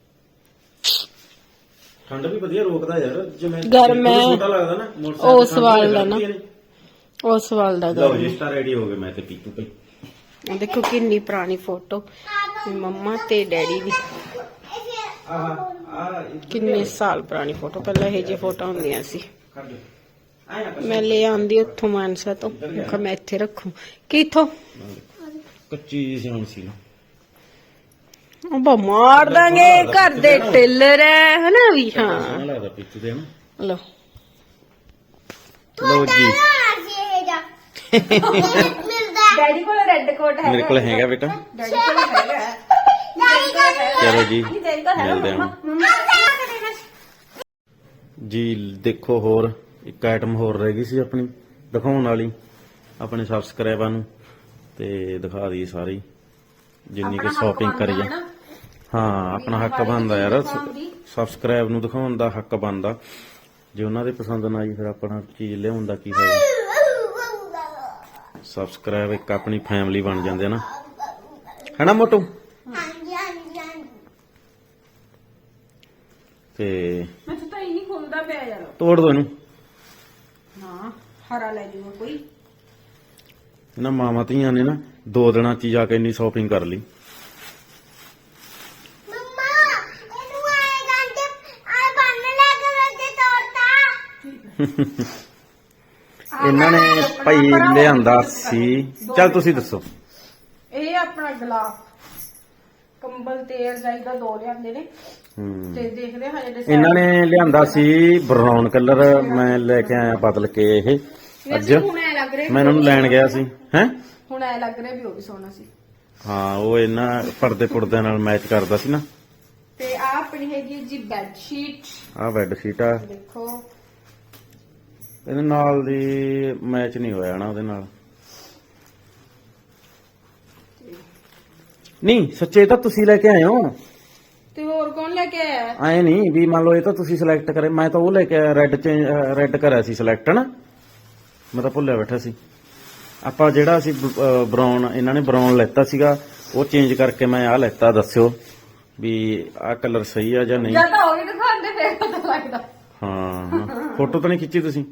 [SPEAKER 1] ਠੰਡ ਵੀ ਵਧੀਆ ਰੋਕਦਾ ਯਾਰ ਜਿਵੇਂ
[SPEAKER 3] ਗਰਮ ਹੈ।
[SPEAKER 1] ਛੋਟਾ ਲੱਗਦਾ ਨਾ ਮੋਟਰਸਾਈਕਲ
[SPEAKER 3] ਉਸ
[SPEAKER 1] ਠੰਡ
[SPEAKER 3] ਵਾਲ
[SPEAKER 1] ਵੀ
[SPEAKER 3] ਦਾ ਨਾ।
[SPEAKER 1] ਲੱਗਦੀ ਹੈ।
[SPEAKER 3] ਉਸ ਵਾਲ ਦਾ
[SPEAKER 1] ਲਓ
[SPEAKER 3] ਗਾ
[SPEAKER 1] ਜੀ ਸਟਾਰ ਰੈਡੀ ਹੋ ਗਏ ਮੈਂ ਤੇ ਪੀਤੂ ਭਾਈ
[SPEAKER 3] ਆਹ ਦੇਖੋ ਕਿੰਨੀ ਪੁਰਾਣੀ ਫੋਟੋ ਮੰਮਾ ਤੇ ਡੈਡੀ ਦੀ
[SPEAKER 1] ਆਹ ਆਹ
[SPEAKER 3] ਕਿੰਨੇ ਸਾਲ ਪੁਰਾਣੀ ਫੋਟੋ ਪਹਿਲਾਂ ਇਹ ਜਿਹੀ ਫੋਟੋ ਹੁੰਦੀਆਂ ਸੀ
[SPEAKER 1] ਖੜ ਜਾ ਆਇਆ ਨਾ
[SPEAKER 3] ਮੈਂ ਲੈ ਆਂਦੀ ਉੱਥੋਂ ਮਾਨਸਾ ਤੋਂ ਮੈਂ ਕਿਹਾ ਮੈਂ ਇੱਥੇ ਰੱਖੂ ਕਿੱਥੋਂ
[SPEAKER 1] ਕੱਚੀ ਜਿਹੀ ਸਿਆਣ ਸੀ ਨਾ
[SPEAKER 3] ਉਹ ਬਾ ਮਾਰ ਦਾਂਗੇ ਘਰ ਦੇ ਟੇਲਰ ਹੈ ਹਨਾ ਵੀ ਹਾਂ
[SPEAKER 1] ਸੋਹਣਾ ਲੱਗਦਾ ਪੀਤੂ ਦੇ ਨਾ
[SPEAKER 3] ਲੋ
[SPEAKER 1] ਲਓ ਜੀ
[SPEAKER 2] ਆ ਜੇ ਜਾ ਮਿਲਦਾ
[SPEAKER 3] ਡੈਡੀ ਕੋਲ ਰੈੱਡ ਕੋਟ
[SPEAKER 1] ਮੇਰੇ ਕੋਲ ਹੈਗਾ ਬੇਟਾ
[SPEAKER 3] ਡੈਡੀ ਕੋਲ ਹੈਗਾ
[SPEAKER 2] ਦਾਈ ਕਰ
[SPEAKER 1] ਚਲੋ ਜੀ
[SPEAKER 3] ਡੈਡੀ ਕੋਲ ਹੈਗਾ
[SPEAKER 1] ਮਿਲਦੇ ਹਾਂ
[SPEAKER 3] ਮੰਮਾ
[SPEAKER 1] ਜੀ ਦੇਖੋ ਹੋਰ ਇੱਕ ਆਈਟਮ ਹੋਰ ਰਹਿ ਗਈ ਸੀ ਆਪਣੀ ਦਿਖਾਉਣ ਵਾਲੀ ਆਪਣੇ ਸਬਸਕ੍ਰਾਈਬਰਾਂ ਨੂੰ ਤੇ ਦਿਖਾ ਦਈਏ ਸਾਰੀ ਜਿੰਨੀ ਕਿ ਸ਼ਾਪਿੰਗ ਕਰੀ ਆ ਹਾਂ ਆਪਣਾ ਹੱਕ ਬਣਦਾ ਯਾਰ ਸਬਸਕ੍ਰਾਈਬ ਨੂੰ ਦਿਖਾਉਣ ਦਾ ਹੱਕ ਬਣਦਾ ਜੇ ਉਹਨਾਂ ਦੇ ਪਸੰਦ ਨਾ ਆਈ ਫਿਰ ਆਪਣਾ ਚੀਜ਼ ਲਿਆਉਣ ਦਾ ਕੀ ਫਾਇਦਾ ਸਬਸਕ੍ਰਾਈਬ ਇੱਕ ਆਪਣੀ ਫੈਮਿਲੀ ਬਣ ਜਾਂਦੇ ਆ ਨਾ ਹੈਨਾ ਮੋਟੂ
[SPEAKER 2] ਹਾਂਜੀ ਹਾਂਜੀ ਹਾਂਜੀ
[SPEAKER 1] ਤੇ
[SPEAKER 3] ਮੈਂ ਤਾਂ ਇਹ ਨਹੀਂ ਖੁੱਲਦਾ ਪਿਆ ਯਾਰ
[SPEAKER 1] ਤੋੜ ਦੋ ਇਹਨੂੰ
[SPEAKER 3] ਹਾਂ ਹਰਾ ਲੈ ਜੂਗਾ ਕੋਈ
[SPEAKER 1] ਇਹਨਾਂ ਮਾਵਾਂ ਧੀਆਂ ਨੇ ਨਾ ਦੋ ਦਿਨਾਂ ਚ ਹੀ ਜਾ ਕੇ ਇੰਨੀ ਸ਼ਾਪਿੰਗ ਕਰ ਲਈ
[SPEAKER 2] ਮੰਮਾ ਇਹਨੂੰ ਆਏ ਗੰਡੇ ਆ ਬੰਨ ਲੈ ਕੇ ਦੇ ਤੋੜਤਾ
[SPEAKER 1] ਇਹਨਾਂ ਨੇ ਭਾਈ ਲਿਆਂਦਾ ਸੀ ਚੱਲ ਤੁਸੀਂ ਦੱਸੋ
[SPEAKER 3] ਇਹ ਆਪਣਾ ਗਲਾਫ ਕੰਬਲ ਤੇ ਰਜਾਈ ਦਾ ਦੋ ਲਿਆਂਦੇ ਨੇ
[SPEAKER 1] ਹੂੰ
[SPEAKER 3] ਤੇ ਦੇਖਦੇ ਹਾਂ ਹਜੇ
[SPEAKER 1] ਇਹਨਾਂ ਨੇ ਲਿਆਂਦਾ ਸੀ ਬਰਾਊਨ ਕਲਰ ਮੈਂ ਲੈ ਕੇ ਆਇਆ ਬਦਲ ਕੇ ਇਹ ਅੱਜ
[SPEAKER 3] ਹੁਣ ਐ ਲੱਗ ਰਿਹਾ
[SPEAKER 1] ਮੈਂ ਇਹਨਾਂ ਨੂੰ ਲੈਣ ਗਿਆ ਸੀ ਹੈ
[SPEAKER 3] ਹੁਣ ਐ ਲੱਗ ਰਿਹਾ ਵੀ ਉਹ ਵੀ ਸੋਹਣਾ ਸੀ
[SPEAKER 1] ਹਾਂ ਉਹ ਇਹਨਾਂ ਪਰਦੇ ਪੁਰਦਿਆਂ ਨਾਲ ਮੈਚ ਕਰਦਾ ਸੀ ਨਾ
[SPEAKER 3] ਤੇ ਆ ਆਪਣੀ ਹੈਗੀ ਜੀ ਬੈੱਡ ਸ਼ੀਟ
[SPEAKER 1] ਆਹ ਬੈੱਡ ਸ਼ੀਟ ਆ
[SPEAKER 3] ਦੇਖੋ
[SPEAKER 1] ਇਹਦੇ ਨਾਲ ਦੀ ਮੈਚ ਨਹੀਂ ਹੋਇਆ ਨਾ ਉਹਦੇ ਨਾਲ ਨਹੀਂ ਸੱਚੇ ਤਾਂ ਤੁਸੀਂ ਲੈ ਕੇ ਆਏ ਹੋ
[SPEAKER 3] ਤੇ ਹੋਰ ਕੌਣ ਲੈ ਕੇ ਆਇਆ?
[SPEAKER 1] ਐ ਨਹੀਂ ਵੀ ਮੰਨ ਲਓ ਇਹ ਤਾਂ ਤੁਸੀਂ ਸਿਲੈਕਟ ਕਰੇ, ਮੈਂ ਤਾਂ ਉਹ ਲੈ ਕੇ ਰੈੱਡ ਚੇਂਜ ਰੈੱਡ ਕਰਿਆ ਸੀ ਸਿਲੈਕਟ ਨਾ, ਮੈਂ ਤਾਂ ਭੁੱਲਿਆ ਬੈਠਾ ਸੀ। ਆਪਾਂ ਜਿਹੜਾ ਅਸੀਂ ਬਰਾਊਨ, ਇਹਨਾਂ ਨੇ ਬਰਾਊਨ ਲੈਤਾ ਸੀਗਾ, ਉਹ ਚੇਂਜ ਕਰਕੇ ਮੈਂ ਆਹ ਲੈਤਾ। ਦੱਸਿਓ ਵੀ ਆਹ ਕਲਰ ਸਹੀ ਆ ਜਾਂ ਨਹੀਂ।
[SPEAKER 3] ਜਾਂ ਤਾਂ ਉਹ ਵੀ ਦਿਖਾਉਂਦੇ ਫੇਰ ਪਤਾ ਲੱਗਦਾ।
[SPEAKER 1] ਹਾਂ ਫੋਟੋ ਤਾਂ ਨਹੀਂ ਖਿੱਚੀ ਤੁਸੀਂ?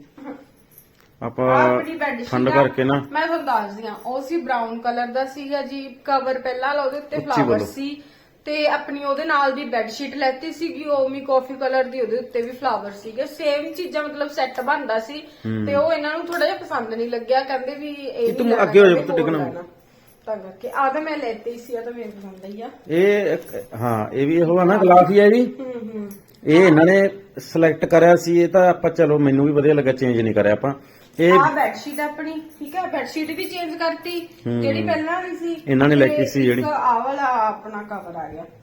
[SPEAKER 1] ਆਪਾਂ
[SPEAKER 3] ਆਪਣੀ ਬੈੱਡ
[SPEAKER 1] ਠੰਡ ਕਰਕੇ ਨਾ,
[SPEAKER 3] ਮੈਂ ਤੁਹਾਨੂੰ ਦੱਸਦੀ ਆ, ਉਹ ਸੀ ਬਰਾਊਨ ਕਲਰ ਦਾ ਸੀਗਾ ਜੀ ਕਵਰ ਪਹਿਲਾਂ ਵਾਲਾ, ਉਹਦੇ ਉੱਤੇ
[SPEAKER 1] ਉੱਚੀ
[SPEAKER 3] ਫਲਾਵਰ
[SPEAKER 1] ਬੋਲੋ।
[SPEAKER 3] ਸੀ। ਤੇ ਆਪਣੀ ਉਹਦੇ ਨਾਲ ਦੀ ਬੈੱਡ ਸ਼ੀਟ ਲੈਤੀ ਸੀਗੀ, ਉਹ ਵੀ ਕਾਫੀ ਕਲਰ ਦੀ, ਉਹਦੇ ਉੱਤੇ ਵੀ ਫਲਾਵਰ ਸੀਗੇ। ਸੇਮ ਚੀਜ਼ਾਂ ਮਤਲਬ ਸੈੱਟ ਬਣਦਾ ਸੀ। ਤੇ ਉਹ ਇਹਨਾਂ ਨੂੰ ਥੋੜਾ ਜਿਹਾ ਪਸੰਦ ਨਹੀਂ ਲੱਗਿਆ, ਕਹਿੰਦੇ ਵੀ ਇਹ
[SPEAKER 1] ਤੂੰ
[SPEAKER 3] ਨਹੀਂ ਲੈਣਾ,
[SPEAKER 1] ਅੱਗੇ ਹੋ ਜਾ,
[SPEAKER 3] ਕਹਿੰਦੇ
[SPEAKER 1] ਤੂੰ
[SPEAKER 3] ਹੋਰ
[SPEAKER 1] ਡਿੱਗਣਾ।
[SPEAKER 3] ਲੈਣਾ। ਤਾਂ ਕਰਕੇ ਆ ਤਾਂ ਮੈਂ ਲੈਤੀ ਸੀ, ਆ ਤਾਂ ਮੇਰੇ ਪਸੰਦ ਆਈ ਆ।
[SPEAKER 1] ਇਹ ਇੱਕ- ਹਾਂ ਇਹ ਵੀ ਉਹ ਆ ਨਾ, ਗਲਾਫ ਹੀ ਆ ਜੀ।
[SPEAKER 3] ਹੂੰ ਹੂੰ
[SPEAKER 1] ਇਹ ਇਹਨਾਂ ਨੇ ਸਿਲੈਕਟ ਕਰਿਆ ਸੀ, ਇਹ ਤਾਂ ਆਪਾਂ ਚਲੋ ਮੈਨੂੰ ਵੀ ਵਧੀਆ ਲੱਗਾ, ਚੇਂਜ ਨਹੀਂ ਕਰਿਆ ਆਪਾਂ। ਇਹ
[SPEAKER 3] ਆ ਬੈੱਡ ਸ਼ੀਟ ਆਪਣੀ, ਠੀਕ ਹੈ, ਬੈੱਡ ਸ਼ੀਟ ਵੀ ਚੇਂਜ ਕਰਤੀ, ਜਿਹੜੀ ਪਹਿਲਾਂ ਵਾਲੀ ਸੀ
[SPEAKER 1] ਇਹਨਾਂ ਨੇ ਲੈਤੀ ਸੀ ਜਿਹੜੀ।
[SPEAKER 3] ਆ ਵਾਲਾ ਆਪਣਾ ਕਵਰ ਆ ਗਿਆ।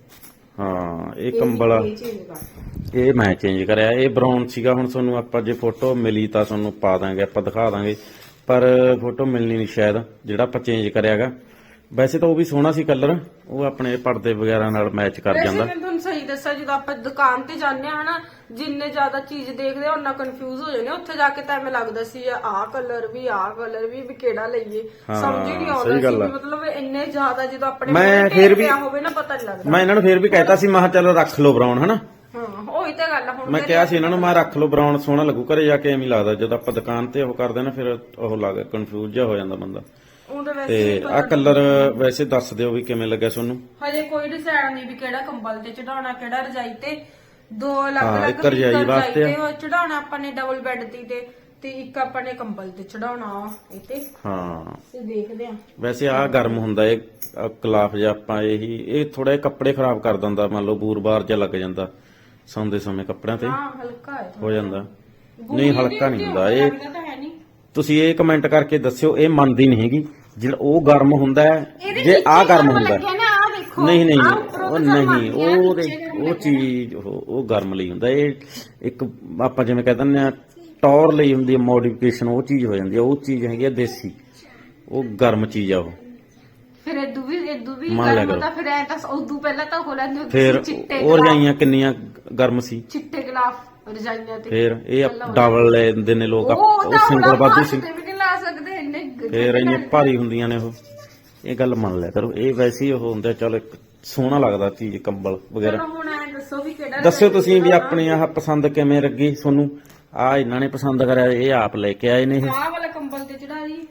[SPEAKER 1] ਹਾਂ ਇਹ ਕੰਬਲ ਆ,
[SPEAKER 3] ਇਹ change ਕਰਤਾ।
[SPEAKER 1] ਇਹ ਮੈਂ ਚੇਂਜ ਕਰਿਆ। ਇਹ ਬਰਾਊਨ ਸੀਗਾ, ਹੁਣ ਤੁਹਾਨੂੰ ਆਪਾਂ ਜੇ ਫੋਟੋ ਮਿਲੀ ਤਾਂ ਤੁਹਾਨੂੰ ਪਾ ਦਾਂਗੇ, ਆਪਾਂ ਦਿਖਾ ਦਾਂਗੇ, ਪਰ ਫੋਟੋ ਮਿਲਣੀ ਨਹੀਂ ਸ਼ਾਇਦ ਜਿਹੜਾ ਆਪਾਂ ਚੇਂਜ ਕਰਿਆਗਾ। ਵੈਸੇ ਤਾਂ ਉਹ ਵੀ ਸੋਹਣਾ ਸੀ ਕਲਰ, ਉਹ ਆਪਣੇ ਪਰਦੇ ਵਗੈਰਾ ਨਾਲ ਮੈਚ ਕਰ
[SPEAKER 3] ਵੈਸੇ
[SPEAKER 1] ਜਾਂਦਾ।
[SPEAKER 3] ਮੈਂ ਤੁਹਾਨੂੰ ਸਹੀ ਦੱਸਾਂ, ਜਦੋਂ ਆਪਾਂ ਦੁਕਾਨ ਤੇ ਜਾਂਦੇ ਆ ਹਨਾ, ਜਿੰਨੇ ਜ਼ਿਆਦਾ ਚੀਜ਼ ਦੇਖਦੇ ਆ ਉਹਨਾਂ ਕਨਫਿਊਜ਼ ਹੋ ਜਾਂਦੇ ਆ। ਉੱਥੇ ਜਾ ਕੇ ਤਾਂ ਐਵੇਂ ਲੱਗਦਾ ਸੀ ਆਹ ਕਲਰ ਵੀ, ਆਹ ਕਲਰ ਵੀ, ਵੀ ਕਿਹੜਾ ਲਈਏ,
[SPEAKER 1] ਹਾਂ,
[SPEAKER 3] ਸਮਝ ਹੀ ਨਹੀਂ
[SPEAKER 1] ਸਹੀ
[SPEAKER 3] ਆਉਂਦਾ ਸੀ
[SPEAKER 1] ਗੱਲ ਆ।
[SPEAKER 3] ਵੀ ਮਤਲਬ ਇੰਨੇ ਜ਼ਿਆਦਾ ਜਦੋਂ ਆਪਣੇ
[SPEAKER 1] ਮੈਂ
[SPEAKER 3] ਮੂਹਰੇ
[SPEAKER 1] ਫਿਰ ਵੀ-
[SPEAKER 3] ਪਿਆ ਹੋਵੇ ਨਾ, ਪਤਾ ਨਹੀਂ ਲੱਗਦਾ।
[SPEAKER 1] ਮੈਂ ਇਹਨਾਂ ਨੂੰ ਫੇਰ ਵੀ ਕਹਿਤਾ ਸੀ, ਮੈਂ ਕਿਹਾ ਚਲੋ ਰੱਖ ਲਓ ਬਰਾਊਨ ਹਨਾ।
[SPEAKER 3] ਹਾਂ ਉਹੀ ਤਾਂ ਗੱਲ ਆ। ਹੁਣ
[SPEAKER 1] ਮੈਂ ਕਿਹਾ ਸੀ ਇਹਨਾਂ ਨੂੰ, ਮੈਂ ਰੱਖ ਲਓ ਬਰਾਊਨ, ਸੋਹਣਾ ਲੱਗੂ। ਘਰੇ ਜਾ ਕੇ ਐਵੇਂ ਹੀ ਲੱਗਦਾ, ਜਦੋਂ ਆਪਾਂ ਦੁਕਾਨ ਤੇ ਉਹ ਕਰਦੇ ਨਾ ਫਿਰ ਉਹ ਲੱਗ ਕਨਫਿਊਜ਼ ਜਿਹਾ ਹੋ ਜਾਂਦਾ ਬੰਦਾ।
[SPEAKER 3] ਉਹਦੇ ਵੈਸੇ
[SPEAKER 1] ਤੇ ਆਹ ਕਲਰ ਵੈਸੇ ਦੱਸ ਦਿਓ ਵੀ ਕਿਵੇਂ ਲੱਗਿਆ ਤੁਹਾਨੂੰ।
[SPEAKER 3] ਹਜੇ ਕੋਈ ਡਿਸਾਈਡ ਨਹੀਂ ਵੀ ਕਿਹੜਾ ਕੰਬਲ ਤੇ ਚੜਾਉਣਾ, ਕਿਹੜਾ ਰਜਾਈ ਤੇ। ਦੋ
[SPEAKER 1] ਹਾਂ,
[SPEAKER 3] ਅਲੱਗ-ਅਲੱਗ
[SPEAKER 1] ਇੱਕ ਰਜਾਈ ਵਾਸਤੇ ਆ।
[SPEAKER 3] ਤੇ ਚੜਾਉਣਾ ਆਪਾਂ ਨੇ ਡਬਲ ਬੈੱਡ ਦੀ ਤੇ ਤੇ ਇੱਕ ਆਪਾਂ ਨੇ ਕੰਬਲ ਤੇ ਚੜਾਉਣਾ ਇਹ ਤੇ।
[SPEAKER 1] ਹਾਂ
[SPEAKER 3] ਤੇ ਦੇਖਦੇ ਆ।
[SPEAKER 1] ਵੈਸੇ ਆਹ ਗਰਮ ਹੁੰਦਾ ਇਹ ਕਲਾਫ ਜਿਹਾ, ਆਪਾਂ ਇਹੀ ਇਹ ਥੋੜਾ ਜਿਹਾ ਕੱਪੜੇ ਖਰਾਬ ਕਰ ਦਿੰਦਾ, ਮੰਨ ਲਓ ਬੂਰ-ਬਾਰ ਜਿਹਾ ਲੱਗ ਜਾਂਦਾ ਸੌਂਦੇ ਸਮੇਂ ਕੱਪੜਿਆਂ ਤੇ
[SPEAKER 3] ਹਾਂ ਹਲਕਾ ਹੈ
[SPEAKER 1] ਹੋ ਜਾਂਦਾ। ਨਹੀਂ ਹਲਕਾ ਨਹੀਂ ਹੁੰਦਾ ਇਹ।
[SPEAKER 3] ਲੱਗਦਾ ਤਾਂ ਹੈ ਨਹੀਂ।
[SPEAKER 1] ਤੁਸੀਂ ਇਹ ਕਮੈਂਟ ਕਰਕੇ ਦੱਸਿਓ, ਇਹ ਮੰਨਦੀ ਨਹੀਂ ਹੈਗੀ ਜਿਹੜਾ ਉਹ ਗਰਮ ਹੁੰਦਾ ਹੈ,
[SPEAKER 3] ਇਹਦੇ
[SPEAKER 1] ਜੇ ਆਹ
[SPEAKER 3] ਨੀਚੇ
[SPEAKER 1] ਗਰਮ ਹੁੰਦਾ
[SPEAKER 3] ਲੱਗਿਆ ਨਾ, ਆਹ ਦੇਖੋ।
[SPEAKER 1] ਨਹੀਂ ਨਹੀਂ
[SPEAKER 3] ਆਹ ਉੱਪਰੋਂ
[SPEAKER 1] ਉਹ
[SPEAKER 3] ਤਾਂ ਗਰਮ
[SPEAKER 1] ਨਹੀਂ,
[SPEAKER 3] ਆਉਂਦੀ ਆ,
[SPEAKER 1] ਉਹ
[SPEAKER 3] ਨੀਚੇ ਗਰਮ
[SPEAKER 1] ਉਹ ਚੀਜ਼ ਉਹ ਉਹ ਗਰਮ ਲਈ ਹੁੰਦਾ। ਇਹ ਇੱਕ ਆਪਾਂ ਜਿਵੇਂ ਕਹਿ ਦਿੰਦੇ ਆ ਟੌਰ ਲਈ ਹੁੰਦੀ ਹੈ ਮੋਡੀਫਿਕੇਸ਼ਨ, ਉਹ ਚੀਜ਼ ਹੋ ਜਾਂਦੀ ਹੈ। ਉਹ ਚੀਜ਼ ਹੈਗੀ ਆ ਦੇਸੀ, ਉਹ ਗਰਮ ਚੀਜ਼ ਆ ਉਹ।
[SPEAKER 3] ਫਿਰ ਇਦੂ ਵੀ ਇਦੂ ਵੀ
[SPEAKER 1] ਮੰਨ ਲਿਆ
[SPEAKER 3] ਗਰਮ
[SPEAKER 1] ਕਰੋ।
[SPEAKER 3] ਹੁੰਦਾ, ਫਿਰ ਐ ਤਾਂ ਉਦੋਂ ਪਹਿਲਾਂ ਤਾਂ ਹੋ ਲੈਂਦੇ ਹੁੰਦੇ
[SPEAKER 1] ਫਿਰ
[SPEAKER 3] ਸੀ ਚਿੱਟੇ
[SPEAKER 1] ਉਹ
[SPEAKER 3] ਗੁਲਾਬ,
[SPEAKER 1] ਰਜਾਈਆਂ ਕਿੰਨੀਆਂ ਗਰਮ ਸੀ।
[SPEAKER 3] ਚਿੱਟੇ ਗਲਾਫ ਰਜਾਈਆਂ ਤੇ।
[SPEAKER 1] ਫਿਰ ਇਹ ਡਬਲ ਲੈਂਦੇ ਨੇ ਲੋਕ, ਉਹ ਸਿੰਗਲ ਵਾਧੂ ਸੀ।
[SPEAKER 3] ਵੀ ਨਹੀਂ ਲਾ ਸਕਦੇ ਇੰਨੇ ਗ-
[SPEAKER 1] ਫਿਰ ਇੰਨੇ ਭਾਰੀ ਹੁੰਦੀਆਂ ਨੇ ਉਹ। ਇਹ ਗੱਲ ਮੰਨ ਲਿਆ ਕਰੋ, ਇਹ ਵੈਸੇ ਹੀ ਉਹ ਹੁੰਦਾ, ਚਲ ਇੱਕ ਸੋਹਣਾ ਲੱਗਦਾ ਚੀਜ਼ ਕੰਬਲ ਵਗੈਰਾ।
[SPEAKER 3] ਚਲੋ ਹੁਣ ਐ ਦੱਸੋ ਵੀ ਕਿਹੜਾ
[SPEAKER 1] ਦੱਸਿਓ ਤੁਸੀਂ ਵੀ ਆਪਣੀ ਆਹ ਪਸੰਦ ਕਿਵੇਂ ਲੱਗੀ ਤੁਹਾਨੂੰ। ਆ ਇਹਨਾਂ ਨੇ ਪਸੰਦ ਕਰਿਆ, ਇਹ ਆਪ ਲੈ ਕੇ ਆਏ ਨੇ ਇਹ।
[SPEAKER 3] ਆਹ ਵਾਲਾ ਕੰਬਲ ਤੇ ਚੜਾ ਦੀ।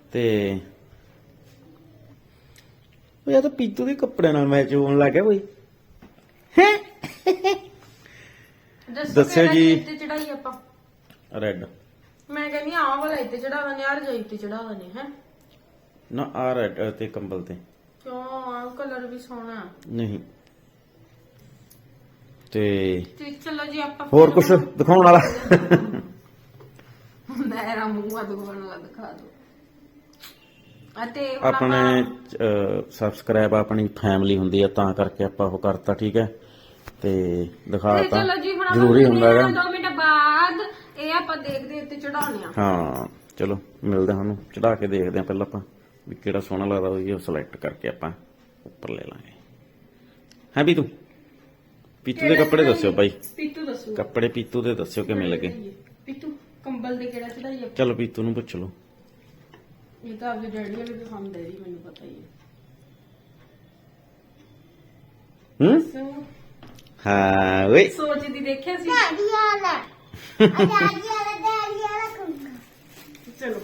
[SPEAKER 1] ਤੇ ਉਹ ਇਹ ਤਾਂ ਪੀਤੂ ਦੇ ਕੱਪੜੇ ਨਾਲ ਮੈਚ ਹੋਣ ਲੱਗ ਗਿਆ ਕੋਈ। ਦੱਸਿਓ
[SPEAKER 3] ਕਿਹੜਾ
[SPEAKER 1] ਜੀ।
[SPEAKER 3] ਇੱਥੇ ਚੜਾਈ ਆਪਾਂ।
[SPEAKER 1] ਰੈੱਡ
[SPEAKER 3] ਮੈਂ ਕਹਿੰਦੀ ਆਹ ਵਾਲਾ ਇੱਥੇ ਚੜਾ ਦਨੇ, ਯਾਰ ਜਾਈ ਤੇ ਚੜਾ ਦਨੇ ਹੈ।
[SPEAKER 1] ਨਾ ਆ ਰੈੱਡ ਤੇ ਕੰਬਲ ਤੇ
[SPEAKER 3] ਕਿਉਂ, ਆਹ ਕਲਰ ਵੀ ਸੋਹਣਾ।
[SPEAKER 1] ਨਹੀਂ। ਤੇ
[SPEAKER 3] ਤੇ ਚਲੋ ਜੀ ਆਪਾਂ
[SPEAKER 1] ਹੋਰ ਕੁਝ ਦਿਖਾਉਣ ਵਾਲਾ?
[SPEAKER 3] ਮੇਰਾ ਮੂੰਹ ਦਿਖਾਉਣ ਵਾਲਾ ਦਿਖਾ ਦੋ। ਅਤੇ ਹੁਣ
[SPEAKER 1] ਆਪਣੇ
[SPEAKER 3] ਆਪਾਂ-
[SPEAKER 1] ਸਬਸਕ੍ਰਾਈਬ ਆਪਣੀ ਫੈਮਿਲੀ ਹੁੰਦੀ ਆ, ਤਾਂ ਕਰਕੇ ਆਪਾਂ ਉਹ ਕਰਤਾ, ਠੀਕ ਹੈ। ਤੇ
[SPEAKER 3] ਤੇ
[SPEAKER 1] ਦਿਖਾਤਾ,
[SPEAKER 3] ਚਲੋ ਜੀ ਹੁਣ ਆਪਾਂ
[SPEAKER 1] ਜ਼ਰੂਰੀ ਹੁੰਦਾ ਹੈਗਾ।
[SPEAKER 3] ਦੋ ਮਿੰਟ ਬਾਅਦ ਇਹ ਆਪਾਂ ਦੇਖਦੇ ਉੱਤੇ ਚੜਾਉਣੇ ਆ।
[SPEAKER 1] ਹਾਂ ਚਲੋ ਮਿਲਦੇ ਹਾਂ, ਉਹਨੂੰ ਚੜਾ ਕੇ ਦੇਖਦੇ ਹਾਂ ਪਹਿਲਾਂ ਆਪਾਂ ਵੀ ਕਿਹੜਾ ਸੋਹਣਾ ਲੱਗਦਾ, ਉਹ ਸਿਲੈਕਟ ਕਰਕੇ ਆਪਾਂ ਉੱਪਰ ਲੈ ਲਾਂਗੇ। ਹੈ ਵੀ ਤੂੰ ਪੀਤੂ ਦੇ ਕੱਪੜੇ ਦੱਸਿਓ ਭਾਈ,
[SPEAKER 3] ਪੀਤੂ ਦੱਸੋ
[SPEAKER 1] ਕੱਪੜੇ ਪੀਤੂ ਦੇ ਦੱਸਿਓ ਕਿਵੇਂ ਲੱਗੇ।
[SPEAKER 3] ਪੀਤੂ ਕੰਬਲ ਦੇ ਕਿਹੜਾ ਚੜਾਈ ਆ?
[SPEAKER 1] ਚਲੋ ਪੀਤੂ ਨੂੰ ਪੁੱਛ ਲਓ।
[SPEAKER 3] ਇਹ ਤਾਂ ਆਪਦੇ ਡੈਡੀ ਵਾਲੇ ਪਸੰਦ ਹੈ ਜੀ, ਮੈਨੂੰ ਪਤਾ ਹੀ ਹੈ।
[SPEAKER 1] ਹੂੰ
[SPEAKER 3] ਸੋ
[SPEAKER 1] ਹਾਂ ਓਏ
[SPEAKER 3] ਸੋਚਦੀ ਦੇਖਿਆ ਸੀ।
[SPEAKER 2] ਡੈਡੀ ਵਾਲਾ ਆ ਡੈਡੀ ਵਾਲਾ ਡੈਡੀ ਵਾਲਾ ਕੰਬਲ।
[SPEAKER 3] ਚਲੋ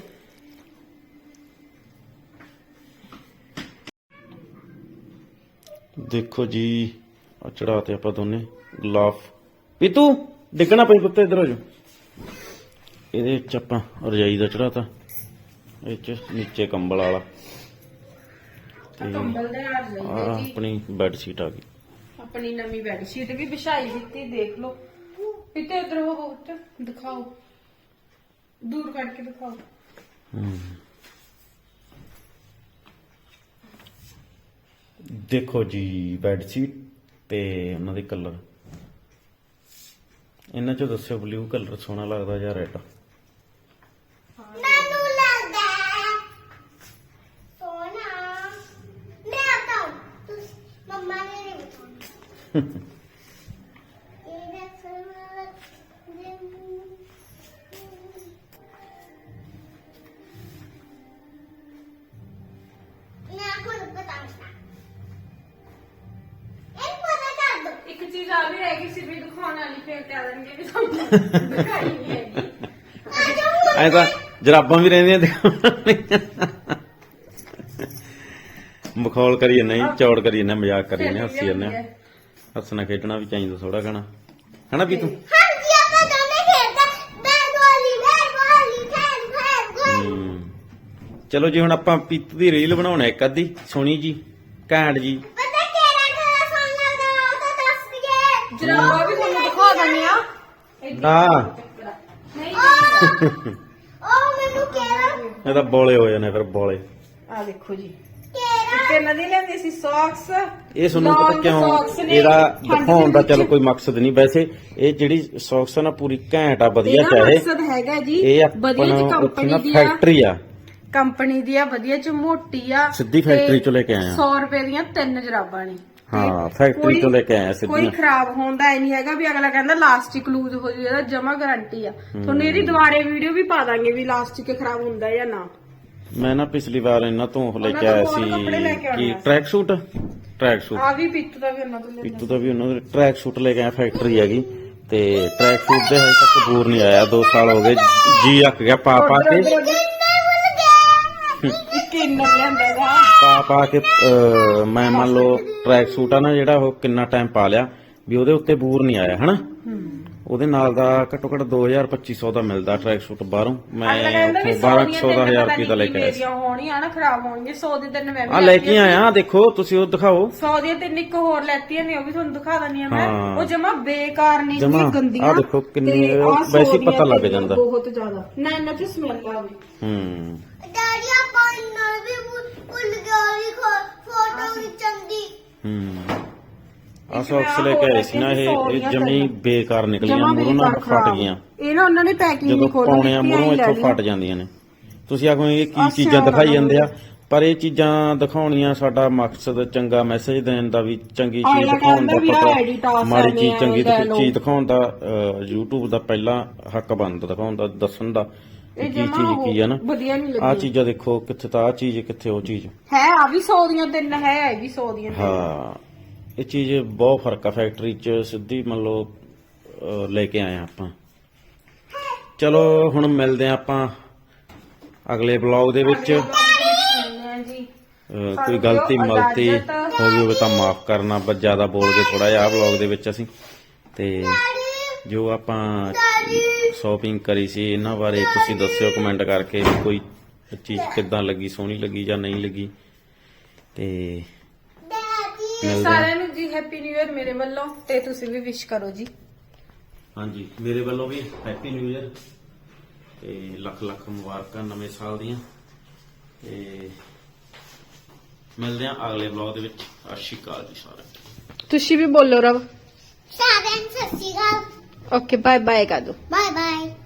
[SPEAKER 1] ਦੇਖੋ ਜੀ, ਆ ਚੜਾ ਤੇ ਆਪਾਂ ਦੋਨੇ ਗਲਾਫ। ਪੀਤੂ ਡਿੱਗਣਾ ਪਈ ਪੁੱਤ, ਇੱਧਰ ਹੋ ਜਾ। ਇਹਦੇ ਚ ਆਪਾਂ ਰਜਾਈ ਦਾ ਚੜਾਤਾ, ਇਹ ਚ ਨੀਚੇ ਕੰਬਲ ਵਾਲਾ,
[SPEAKER 3] ਆਹ ਕੰਬਲ ਦੇ ਨਾਲ
[SPEAKER 1] ਆ
[SPEAKER 3] ਜਾਈਏ ਜੀ।
[SPEAKER 1] ਆਪਣੀ ਬੈੱਡ ਸ਼ੀਟ ਆ ਗਈ।
[SPEAKER 3] ਆਪਣੀ ਨਵੀਂ ਬੈੱਡ ਸ਼ੀਟ ਵੀ ਵਿਛਾਈ ਦਿੱਤੀ, ਦੇਖ ਲਓ। ਪਿੱਤੇ ਉਧਰ ਉਹ ਉੱਤੇ ਦਿਖਾਓ, ਦੂਰ ਕਰਕੇ ਦਿਖਾਓ।
[SPEAKER 1] ਹਮ। ਦੇਖੋ ਜੀ ਬੈੱਡ ਸ਼ੀਟ ਤੇ ਉਹਨਾਂ ਦੇ ਕਲਰ, ਇਹਨਾਂ ਚੋਂ ਦੱਸਿਓ ਬਲੂ ਕਲਰ ਸੋਹਣਾ ਲੱਗਦਾ ਜਾਂ ਰੈੱਡ।
[SPEAKER 2] ਮੈਨੂੰ ਲੱਗਦਾ ਹੈ ਸੋਨਾ। ਮੈਂ ਤਾਂ ਮੰਮਾ ਨੇ ਨਹੀਂ ਬਤਾਉਣਾ।
[SPEAKER 3] ਆ ਵੀ ਰਹਿ ਗਈ ਸੀ ਵੀ ਦਿਖਾਉਣ ਵਾਲੀ ਫੇਰ ਕਹਿ ਦੇਣਗੇ ਵੀ ਤੁਹਾਨੂੰ ਦਿਖਾਈ ਨਹੀਂ ਹੈਗੀ
[SPEAKER 1] ਐ ਤਾਂ ਜਰਾਬਾਂ ਵੀ ਰਹਿੰਦੀਆਂ ਦਿਖਾਉਣੀਆਂ ਮਖੌਲ ਕਰੀ ਜਾਂਦੇ ਨਹੀਂ ਚੌੜ ਕਰੀ ਜਾਂਦੇ ਮਜ਼ਾਕ ਕਰੀ ਜਾਂਦੇ ਹੱਸੀ ਜਾਂਦੇ ਹੱਸਣਾ ਖੇਡਣਾ ਵੀ ਚਾਹੀਦਾ ਥੋੜਾ ਘਣਾ ਹਨਾ ਵੀ ਤੂੰ
[SPEAKER 2] ਹਾਂਜੀ ਆਪਾਂ ਦੋਨੇ ਖੇਡਦੇ ਬੈਟ ਵਾਲੀ ਬੈਟ ਵਾਲੀ ਖੇਡ ਖੇਡ ਖੇਡ
[SPEAKER 1] ਹਮ, ਚਲੋ ਜੀ ਹੁਣ ਆਪਾਂ ਪੀਤੂ ਦੀ ਰੀਲ ਬਣਾਉਣਾ ਇੱਕ ਅੱਧੀ ਸੋਹਣੀ ਜੀ ਘੈਂਟ ਜੀ
[SPEAKER 2] ਪਤਾ ਕਿਹੜਾ ਕਿਹੜਾ ਸੌਂਗ ਲੱਗਦਾ ਉਹ ਤਾਂ ਦੱਸ ਦਈਏ
[SPEAKER 3] ਜਰਾਬਾਂ ਵੀ ਤੁਹਾਨੂੰ ਦਿਖਾ ਦਿੰਦੇ ਆ
[SPEAKER 1] ਆ
[SPEAKER 3] ਨਹੀਂ
[SPEAKER 2] ਉਹ ਮੈਨੂੰ ਕਿਹੜਾ
[SPEAKER 1] ਇਹ ਤਾਂ ਬੋਲੇ ਹੋ ਜਾਣੇ ਫਿਰ ਬੋਲੇ
[SPEAKER 3] ਆ ਦੇਖੋ ਜੀ
[SPEAKER 2] ਕਿਹੜਾ
[SPEAKER 3] ਇੱਕ ਇਹਨਾਂ ਦੀ ਲੈਂਦੀ ਸੀ ਸੌਕਸ
[SPEAKER 1] ਇਹ ਤੁਹਾਨੂੰ ਪਤਾ ਕਿਉਂ ਇਹਦਾ ਦਿਖਾਉਣ ਦਾ ਚਲੋ ਕੋਈ ਮਕਸਦ ਨਹੀਂ ਵੈਸੇ ਇਹ ਜਿਹੜੀ ਸੌਕਸ ਆ ਨਾ ਪੂਰੀ ਘੈਂਟ ਆ ਵਧੀਆ
[SPEAKER 3] ਇਹਦਾ
[SPEAKER 1] ਚਾਹੇ
[SPEAKER 3] ਮਕਸਦ ਹੈਗਾ ਜੀ
[SPEAKER 1] ਇਹ
[SPEAKER 3] ਵਧੀਆ
[SPEAKER 1] ਆਪਣਾ
[SPEAKER 3] ਚ
[SPEAKER 1] ਉੱਥੇ
[SPEAKER 3] ਕੰਪਨੀ
[SPEAKER 1] ਨਾ
[SPEAKER 3] ਦੀ ਆ
[SPEAKER 1] ਫੈਕਟਰੀ ਆ
[SPEAKER 3] ਕੰਪਨੀ ਦੀ ਆ ਵਧੀਆ ਚ ਮੋਟੀ ਆ
[SPEAKER 1] ਸਿੱਧੀ ਫੈਕਟਰੀ ਚੋਂ ਲੈ ਕੇ ਆਏ ਆ
[SPEAKER 3] ਸੌ ਰੁਪਏ ਦੀਆਂ ਤਿੰਨ ਜਰਾਬਾਂ ਨੇ
[SPEAKER 1] ਹਾਂ ਫੈਕਟਰੀ ਤੋਂ ਲੈ ਕੇ ਆਏ ਆ
[SPEAKER 3] ਕੋਈ
[SPEAKER 1] ਸਿੱਧੀਆਂ
[SPEAKER 3] ਖਰਾਬ ਹੁੰਦਾ ਐ ਨਹੀਂ ਹੈਗਾ ਵੀ ਅਗਲਾ ਕਹਿੰਦਾ ਲਾਸਟਿਕ ਲੂਜ਼ ਹੋ ਜੂ ਇਹਦਾ ਜਮਾ ਗਾਰੰਟੀ ਆ ਤੁਹਾਨੂੰ ਇਹਦੀ ਦੁਬਾਰੇ ਵੀਡੀਓ ਵੀ ਪਾ ਦਾਂਗੇ ਵੀ ਲਾਸਟਿਕ ਖਰਾਬ ਹੁੰਦਾ ਜਾਂ ਨਾ
[SPEAKER 1] ਮੈਂ ਨਾ ਪਿਛਲੀ ਵਾਰ ਇਹਨਾਂ ਤੋਂ ਉਹ ਲੈ
[SPEAKER 3] ਉਹਨਾਂ
[SPEAKER 1] ਕੇ
[SPEAKER 3] ਤੋਂ
[SPEAKER 1] ਆਇਆ
[SPEAKER 3] ਹੋਰ ਕੱਪੜੇ ਲੈ ਕੇ ਆਉਣੇ
[SPEAKER 1] ਸੀ
[SPEAKER 3] ਆ।
[SPEAKER 1] ਕੀ ਟਰੈਕ ਸੂਟ ਟਰੈਕ ਸੂਟ
[SPEAKER 3] ਆ ਵੀ ਪਿੱਤੂ ਦਾ ਵੀ ਉਹਨਾਂ ਤੋਂ ਲੈ
[SPEAKER 1] ਪੀਤੂ ਦਾ ਵੀ ਉਹਨਾਂ ਦੇ ਟਰੈਕ ਸੂਟ ਲੈ ਕੇ ਆਇਆ ਫੈਕਟਰੀ ਹੈਗੀ ਤੇ ਟਰੈਕ ਸੂਟ ਦੇ ਹਜੇ ਤੱਕ ਬੂਰ ਨਹੀਂ ਆਇਆ ਦੋ ਸਾਲ ਹੋ ਗਏ ਜੀ ਅੱਕ ਗਿਆ ਪਾ ਪਾ ਕੇ
[SPEAKER 3] ਇੱਕ ਇੰਨਰ ਲੈਂਦਾ ਗਾ
[SPEAKER 1] ਪਾ ਪਾ ਕੇ ਅਹ, ਮੈਂ ਮੰਨ ਲਓ ਟਰੈਕ ਸੂਟ ਆ ਨਾ ਜਿਹੜਾ ਉਹ ਕਿੰਨਾ ਟਾਈਮ ਪਾ ਲਿਆ ਵੀ ਉਹਦੇ ਉੱਤੇ ਬੂਰ ਨਹੀਂ ਆਇਆ ਹਨਾ ਉਹਦੇ ਨਾਲ ਦਾ ਘੱਟੋ ਘੱਟ ਦੋ ਹਜ਼ਾਰ ਪੱਚੀ ਸੌ ਦਾ ਮਿਲਦਾ ਟਰੈਕ ਸੂਟ ਬਾਹਰੋਂ ਮੈਂ
[SPEAKER 3] ਅਗਲਾ ਕਹਿੰਦਾ ਵੀ
[SPEAKER 1] ਉੱਥੋਂ ਬਾਰਾਂ ਸੌ ਦਾ ਹਜ਼ਾਰ ਰੁਪਏ ਦਾ ਲੈ ਕੇ ਆਇਆ ਸੀ
[SPEAKER 3] ਮੇਰੀਆਂ ਹੋਣੀਆਂ ਨਾ ਖਰਾਬ ਹੋਣਗੀਆਂ ਸੌ ਦੇ ਤਿੰਨ ਮੈਂ ਵੀ
[SPEAKER 1] ਆ ਲੈ ਕੇ ਆਇਆ ਦੇਖੋ ਤੁਸੀਂ ਉਹ ਦਿਖਾਓ
[SPEAKER 3] ਸੌ ਦੀਆਂ ਤਿੰਨ ਇੱਕ ਹੋਰ ਲੈਤੀਆਂ ਨੇ ਉਹ ਵੀ ਤੁਹਾਨੂੰ ਦਿਖਾ ਦਿੰਦੀ ਆ ਮੈਂ
[SPEAKER 1] ਹਾਂ।
[SPEAKER 3] ਉਹ ਜਮਾ ਬੇਕਾਰ ਨਹੀਂ
[SPEAKER 1] ਜਮਾਂ,
[SPEAKER 3] ਸੀ ਗੰਦੀਆਂ
[SPEAKER 1] ਆਹ ਦੇਖੋ ਕਿੰਨੀ-
[SPEAKER 3] ਤੇ ਆਹ ਸੌ
[SPEAKER 1] ਵੈਸੇ ਹੀ
[SPEAKER 3] ਦੀਆਂ
[SPEAKER 1] ਪਤਾ ਲੱਗ
[SPEAKER 3] ਤਿੰਨ
[SPEAKER 1] ਜਾਂਦਾ।
[SPEAKER 3] ਬਹੁਤ ਜ਼ਿਆਦਾ ਨਾ ਇਹਨਾਂ ਚ ਸਮੈਲ ਆਵੇ
[SPEAKER 1] ਹੂੰ
[SPEAKER 2] ਡੈਡੀ ਆਪਾਂ ਇੰਨਰ ਵੀ ਭੁੱਲ- ਭੁੱਲ ਗਏ ਵੀ ਫੋਟੋ ਖਿੱਚਣ ਦੀ
[SPEAKER 1] ਹੂੰ ਆ ਸੌਕਸ ਲੈ ਕੇ ਆਏ ਸੀ ਨਾ ਇਹ ਇਹ ਜਮੀ ਬੇਕਾਰ ਨਿਕਲੀਆਂ
[SPEAKER 3] ਜਮਾਂ
[SPEAKER 1] ਮੂਹਰੋਂ ਨਾ
[SPEAKER 3] ਬੇਕਾਰ
[SPEAKER 1] ਫਟ
[SPEAKER 3] ਖਰਾਬ।
[SPEAKER 1] ਗਈਆਂ
[SPEAKER 3] ਇਹ ਨਾ ਉਹਨਾਂ ਨੇ ਪੈਕਿੰਗ
[SPEAKER 1] ਜਦੋਂ
[SPEAKER 3] ਨਹੀਂ ਖੋਲੀ
[SPEAKER 1] ਪਾਉਣੇ ਆ ਮੂਹਰੋਂ ਇੱਥੋਂ ਫਟ ਜਾਂਦੀਆਂ ਨੇ ਤੁਸੀਂ ਆਖੋ ਇਹ ਕੀ
[SPEAKER 3] ਆਹ
[SPEAKER 1] ਚੀਜ਼ਾਂ
[SPEAKER 3] ਸਿਆਣਾ
[SPEAKER 1] ਦਿਖਾਈ ਜਾਂਦੇ ਆ
[SPEAKER 3] ਨਾ
[SPEAKER 1] ਪਰ ਇਹ ਚੀਜ਼ਾਂ ਦਿਖਾਉਣੀਆਂ ਸਾਡਾ ਮਕਸਦ ਚੰਗਾ ਮੈਸੇਜ ਦੇਣ ਦਾ ਵੀ ਚੰਗੀ ਚੀਜ਼
[SPEAKER 3] ਅਗਲਾ
[SPEAKER 1] ਦਿਖਾਉਣ
[SPEAKER 3] ਕਹਿੰਦਾ ਵੀ
[SPEAKER 1] ਦਾ
[SPEAKER 3] ਆਹ edit ਆ,
[SPEAKER 1] ਪਤਾ ਮਾੜੀ
[SPEAKER 3] ਐਵੇਂ
[SPEAKER 1] ਚੀਜ਼ ਚੰਗੀ
[SPEAKER 3] ਲੈ ਲਓ।
[SPEAKER 1] ਚੀਜ਼ ਦਿਖਾਉਣ ਦਾ ਅਹ, YouTube ਦਾ ਪਹਿਲਾ ਹੱਕ ਬਣਦਾ ਦਿਖਾਉਣ ਦਾ ਦੱਸਣ ਦਾ
[SPEAKER 3] ਇਹ
[SPEAKER 1] ਕੀ
[SPEAKER 3] ਜਮਾ
[SPEAKER 1] ਚੀਜ਼ ਕੀ ਆ ਨਾ
[SPEAKER 3] ਵਧੀਆ ਨਹੀਂ
[SPEAKER 1] ਆ
[SPEAKER 3] ਲੱਗੀ
[SPEAKER 1] ਚੀਜ਼ਾਂ ਦੇਖੋ ਕਿੱਥੇ ਤਾਂ ਆ ਚੀਜ਼ ਕਿੱਥੇ ਉਹ ਚੀਜ਼
[SPEAKER 3] ਹੈ ਆ ਵੀ ਸੌ ਦੀਆਂ ਤਿੰਨ ਹੈ ਇਹ ਵੀ ਸੌ ਦੀਆਂ ਤਿੰਨ।
[SPEAKER 1] ਹਾਂ ਇਹ ਚੀਜ਼ ਬਹੁਤ ਫਰਕ ਆ ਫੈਕਟਰੀ ਚ ਸਿੱਧੀ ਮੰਨ ਲਓ ਅਹ, ਲੈ ਕੇ ਆਏ ਆ ਆਪਾਂ ਚਲੋ ਹੁਣ ਮਿਲਦੇ ਆ ਆਪਾਂ ਅਗਲੇ ਬਲੌਗ ਦੇ ਵਿੱਚ
[SPEAKER 3] ਹਾਂ ਜੀ
[SPEAKER 1] ਅਹ, ਕੋਈ ਗਲਤੀ ਮਲਤੀ ਹੋ ਗਈ ਹੋਵੇ ਤਾਂ ਮਾਫ ਕਰਨਾ ਬਸ ਜ਼ਿਆਦਾ ਬੋਲ ਗਏ ਥੋੜਾ ਜਿਹਾ ਬਲੌਗ ਦੇ ਵਿੱਚ ਅਸੀਂ ਤੇ ਜੋ ਆਪਾਂ ਸ਼ਾਪਿੰਗ ਕਰੀ ਸੀ ਇਹਨਾਂ ਬਾਰੇ ਤੁਸੀਂ ਦੱਸਿਓ ਕਮੈਂਟ ਕਰਕੇ ਵੀ ਕੋਈ ਚੀਜ਼ ਕਿੱਦਾਂ ਲੱਗੀ ਸੋਹਣੀ ਲੱਗੀ ਜਾਂ ਨਹੀਂ ਲੱਗੀ ਤੇ
[SPEAKER 2] ਡੈਡੀ
[SPEAKER 1] ਮਿਲਦੇ ਆ
[SPEAKER 3] ਸਾਰਿਆਂ ਨੂੰ ਜੀ ਹੈਪੀ ਨਿਊ ਇਅਰ ਮੇਰੇ ਵੱਲੋਂ ਤੇ ਤੁਸੀਂ ਵੀ ਵਿਸ਼ ਕਰੋ ਜੀ
[SPEAKER 1] ਹਾਂਜੀ ਮੇਰੇ ਵੱਲੋਂ ਵੀ ਹੈਪੀ ਨਿਊ ਇਅਰ ਤੇ ਲੱਖ ਲੱਖ ਮੁਬਾਰਕਾਂ ਨਵੇਂ ਸਾਲ ਦੀਆਂ ਤੇ ਮਿਲਦੇ ਆ ਅਗਲੇ ਬਲੌਗ ਦੇ ਵਿੱਚ ਸਤਿ ਸ਼੍ਰੀ ਅਕਾਲ ਜੀ ਸਾਰਿਆਂ ਨੂੰ
[SPEAKER 3] ਤੁਸੀਂ ਵੀ ਬੋਲੋ ਰਬ
[SPEAKER 2] ਸਾਰਿਆਂ ਨੂੰ Sat Sri Akal
[SPEAKER 3] okay bye bye ਕਰ ਦੋ
[SPEAKER 2] ਬਾਏ ਬਾਏ